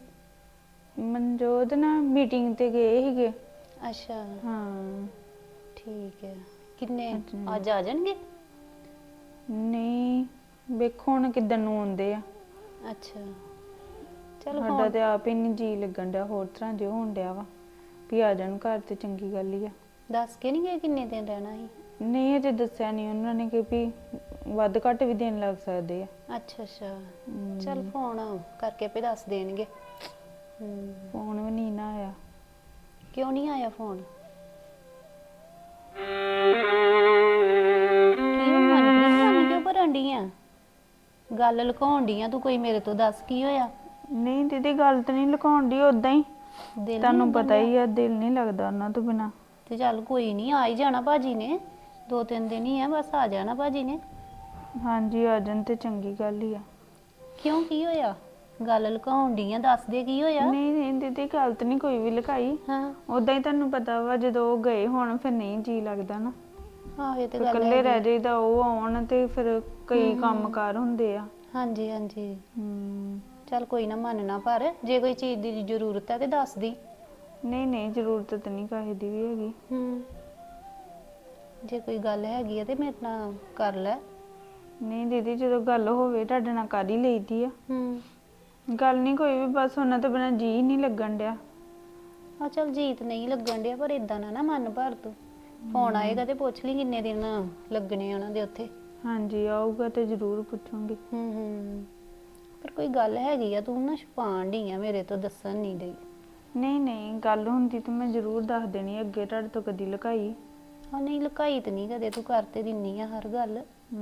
ਮਨਜੋਤ ਨਾ ਮੀਟਿੰਗ ਤੇ ਗਏ ਸੀਗੇ।
ਅੱਛਾ
ਹਾਂ
ਠੀਕ ਹੈ। ਕਿੰਨੇ ਅੱਜ ਆ ਜਾਣਗੇ?
ਨਹੀਂ ਵੇਖੋ ਹੁਣ ਕਿੱਦਣ ਨੂੰ ਆਉਂਦੇ ਆ।
ਅੱਛਾ ਚਲ
ਸਾਡਾ ਤੇ ਆਪ ਹੀ ਨਹੀਂ ਜੀ ਲੱਗਣ ਡਿਆ, ਹੋਰ ਤਰ੍ਹਾਂ ਜਿਹਾ ਹੋਣ ਡਿਆ ਵਾ ਵੀ ਆ ਜਾਣ ਘਰ ਤੇ ਚੰਗੀ ਗੱਲ ਹੀ ਆ।
ਦੱਸ ਕੇ ਨਹੀਂ ਗਏ ਕਿੰਨੇ ਦਿਨ ਰਹਿਣਾ ਸੀ?
ਨਹੀਂ ਅਜੇ ਦੱਸਿਆ ਨਹੀਂ ਉਹਨਾਂ ਨੇ, ਕਿ ਵੀ ਵੱਧ ਘੱਟ ਵੀ ਦੇਣ ਲੱਗ ਸਕਦੇ ਆ।
ਅੱਛਾ ਅੱਛਾ ਚਲ ਫੋਨ ਕਰਕੇ ਆਪੇ ਦੱਸ ਦੇਣਗੇ।
ਫੋਨ ਵੀ ਨਹੀਂ ਨਾ ਆਇਆ।
ਕਿਉਂ ਨਹੀਂ ਆਇਆ ਫੋਨ? ਮਨ ਕਿਉਂ ਭਰਨ ਡਈ ਆ? ਗੱਲ ਲੁਕਾਉਣ ਡਈ ਆ ਤੂੰ ਕੋਈ ਮੇਰੇ ਤੋਂ? ਦੱਸ ਕੀ ਹੋਇਆ?
ਨਹੀਂ ਦੀਦੀ ਗੱਲ ਤਾਂ ਨਹੀਂ ਲੁਕਾਉਣ ਦੀ, ਉਦਾਂ ਹੀ
ਦਿਲ
ਤੁਹਾਨੂੰ ਪਤਾ ਹੀ ਆ, ਦਿਲ ਨਹੀਂ ਲੱਗਦਾ ਉਹਨਾਂ ਤੋਂ ਬਿਨਾ।
ਤੇ ਚੱਲ ਕੋਈ ਨਹੀਂ, ਆ ਹੀ ਜਾਣਾ ਭਾਜੀ ਨੇ, 2-3 ਦਿਨ ਹੀ ਆ ਬਸ, ਆ ਜਾਣਾ ਭਾਜੀ ਨੇ।
ਹਾਂਜੀ ਆ ਜਾਣ ਤੇ ਚੰਗੀ ਗੱਲ ਹੀ ਆ।
ਕਿਉਂ ਕੀ ਹੋਇਆ? ਗੱਲ ਲੁਕਾਉਣ ਡਈ ਆ, ਦੱਸ ਦੇ ਕੀ ਹੋਇਆ?
ਨਹੀਂ ਨਹੀਂ ਦੀਦੀ ਗੱਲ ਤਾਂ ਨਹੀਂ ਕੋਈ ਵੀ ਲੁਕਾਈ।
ਹਾਂ
ਉਦਾਂ ਹੀ ਤੁਹਾਨੂੰ ਪਤਾ ਵਾ ਜਦੋਂ ਉਹ ਗਏ ਹੁਣ ਫਿਰ ਨਹੀਂ ਜੀ ਲੱਗਦਾ ਨਾ,
ਆਹ ਇਹ ਤੇ
ਫਿਰ
ਗੱਲ
ਇਕੱਲੇ
ਹੈ।
ਰਹਿ ਜਾਈਦਾ, ਉਹ ਆਉਣ ਤੇ ਫਿਰ ਕਈ ਕੰਮਕਾਰ ਹੁੰਦੇ ਆ।
ਹਾਂਜੀ ਹਾਂਜੀ ਚੱਲ ਕੋਈ ਨਾ, ਮੰਨਣਾ, ਪਰ ਜੇ ਕੋਈ ਚੀਜ਼ ਦੀ ਜ਼ਰੂਰਤ ਹੈ ਤੇ ਦੱਸ ਦੀ।
ਨਹੀਂ ਨਹੀਂ ਜ਼ਰੂਰਤ ਤਾਂ ਨਹੀਂ ਕਿਸੇ ਦੀ ਵੀ ਹੈਗੀ।
ਜੇ ਕੋਈ ਗੱਲ ਹੈਗੀ ਆ ਤੇ ਮੇਰੇ ਨਾਲ ਕਰ ਲੈ।
ਨਹੀਂ ਦੀਦੀ ਜਦੋਂ ਗੱਲ ਹੋਵੇ ਤੁਹਾਡੇ ਨਾਲ ਕਰ ਹੀ ਲਈਦੀ ਆ। ਗੱਲ ਨਹੀਂ ਕੋਈ ਵੀ, ਬਸ ਉਹਨਾਂ ਤੋਂ ਬਿਨਾਂ ਜੀ ਨਹੀਂ ਲੱਗਣ ਡਿਆ।
ਆ ਚੱਲ ਜੀਤ ਨਹੀਂ ਲੱਗਣ ਡਿਆ, ਪਰ ਇਦਾਂ ਨਾ ਮਨ ਭਰ ਤੂੰ। ਫੋਨ ਆਏਗਾ ਤੇ ਪੁੱਛ ਲਈ ਕਿੰਨੇ ਦਿਨ ਲੱਗਣੇ ਉਹਨਾਂ ਦੇ ਉੱਥੇ।
ਹਾਂਜੀ ਆਊਗਾ ਤੇ ਜ਼ਰੂਰ ਪੁੱਛੂੰਗੀ।
ਪਰ ਕੋਈ ਗੱਲ ਹੈਗੀ ਆ, ਤੂੰ ਨਾ ਛੁਪਾਣ ਡਈ ਆ ਮੇਰੇ ਤੋਂ, ਦੱਸਣ ਨਹੀਂ ਡਈ।
ਨਹੀਂ ਨਹੀਂ ਗੱਲ ਹੁੰਦੀ ਤਾਂ ਮੈਂ ਜ਼ਰੂਰ ਦੱਸ ਦੇਣੀ, ਅੱਗੇ ਤੁਹਾਡੇ ਤੋਂ ਕਦੀ ਲੁਕਾਈ।
ਹਾਂ ਨਹੀਂ ਲੁਕਾਈ ਤੇ ਨਹੀਂ ਕਦੇ, ਤੂੰ ਕਰ ਤੇ ਦਿੰਨੀ ਆ ਹਰ ਗੱਲ।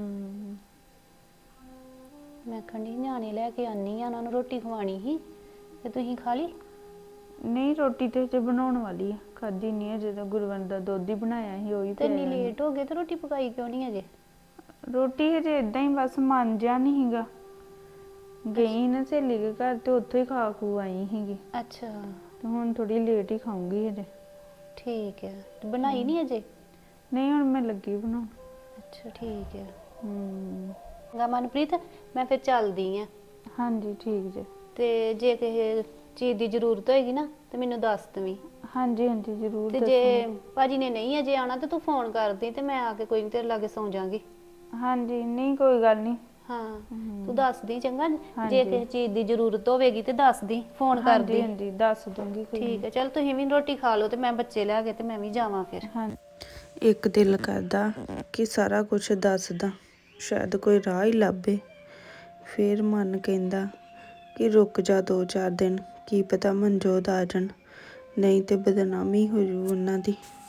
ਮੈਂ ਖੰਡੀ ਨਿਆਣੇ ਲੈ ਕੇ ਆਨੀ ਆ, ਉਹਨਾਂ ਨੂੰ ਰੋਟੀ ਖਵਾਣੀ ਸੀ, ਤੇ ਤੁਸੀਂ ਖਾ ਲਈ?
ਨਹੀਂ ਰੋਟੀ ਤੇ ਜੇ ਬਣਾਉਣ ਵਾਲੀ ਆ, ਖਾਦੀ ਨਹੀਂ ਹੈ। ਜਦੋਂ ਗੁਰਵੰਦ ਦਾ ਦੁੱਧ ਹੀ ਬਣਾਇਆ ਸੀ ਉਹੀ
ਤੇ ਇੰਨੀ ਲੇਟ ਹੋ ਗਏ ਤੇ ਰੋਟੀ ਪਕਾਈ ਕਿਉਂ ਨਹੀਂ ਅਜੇ?
ਰੋਟੀ ਹਜੇ ਇਦਾਂ ਹੀ ਬਸ ਮਨ ਜਿਹਾ ਨਹੀਂ ਹੈਗਾ। ਗਈ ਨਾ ਸਹੇਲੀ ਦੇ ਘਰ ਤੇ ਉੱਥੋਂ ਹੀ ਖਾ ਖੂ ਆਈ ਸੀਗੀ
ਅੱਛਾ
ਤੇ ਹੁਣ ਥੋੜੀ ਲੇਟ ਹੀ ਖਾਊਂਗੀ ਹਜੇ।
ਠੀਕ ਹੈ। ਤੇ ਬਣਾਈ ਨਹੀਂ ਅਜੇ?
ਨਹੀਂ ਹੁਣ ਮੈਂ ਲੱਗੀ ਬਣਾਉਣ।
ਅੱਛਾ ਠੀਕ ਹੈ।
ਹੂੰ
ਗਾ ਮਨਪ੍ਰੀਤ, ਮੈਂ ਫਿਰ ਚੱਲਦੀ ਆ।
ਹਾਂਜੀ ਠੀਕ ਜੇ।
ਤੇ ਜੇ ਕਿਸੇ ਚੀਜ਼ ਦੀ ਜ਼ਰੂਰਤ ਹੋਏਗੀ ਨਾ ਤੇ ਮੈਨੂੰ ਦੱਸ ਦਵੀਂ।
ਹਾਂਜੀ ਹਾਂਜੀ ਜ਼ਰੂਰ
ਤੇ ਜੇ ਭਾਜੀ ਨੇ ਨਹੀਂ ਅਜੇ ਆਉਣਾ ਤੇ ਤੂੰ ਫੋਨ ਕਰਦੀ ਤੇ ਮੈਂ ਆ ਕੇ ਕੋਈ ਨਹੀਂ ਤੇਰੇ ਲਾਗੇ ਸੌਂ ਜਾਾਂਗੀ।
ਹਾਂਜੀ ਨਹੀਂ ਕੋਈ ਗੱਲ ਨਹੀਂ।
ਹਾਂ ਤੂੰ ਦੱਸ ਦੀ ਚੰਗਾ। ਜੇ ਕਿਸੇ ਚੀਜ਼ ਦੀ ਜ਼ਰੂਰਤ ਹੋਵੇਗੀ ਤੇ ਦੱਸ ਦੀ, ਫੋਨ ਕਰ ਦੀ।
ਹਾਂਜੀ ਦੱਸ ਦੂੰਗੀ।
ਠੀਕ ਹੈ ਚਲ ਤੁਸੀਂ ਵੀ ਰੋਟੀ ਖਾ ਲਓ ਤੇ ਮੈਂ ਬੱਚੇ ਲੈ ਕੇ ਤੇ ਮੈਂ ਵੀ ਜਾਵਾਂ ਫਿਰ।
ਹਾਂ ਇੱਕ ਦਿਲ ਕਰਦਾ ਕਿ ਸਾਰਾ ਕੁਝ ਦੱਸਦਾ, ਸ਼ਾਇਦ ਕੋਈ ਰਾਹ ਹੀ ਲੱਭੇ। ਫਿਰ ਮਨ ਕਹਿੰਦਾ ਕਿ ਰੁਕ ਜਾ 2-4 ਦਿਨ, ਕੀ ਪਤਾ ਮਨਜੋਤ ਆ ਜਾਣ, ਨਹੀਂ ਤੇ ਬਦਨਾਮੀ ਹੋ ਜੂ ਉਹਨਾਂ ਦੀ।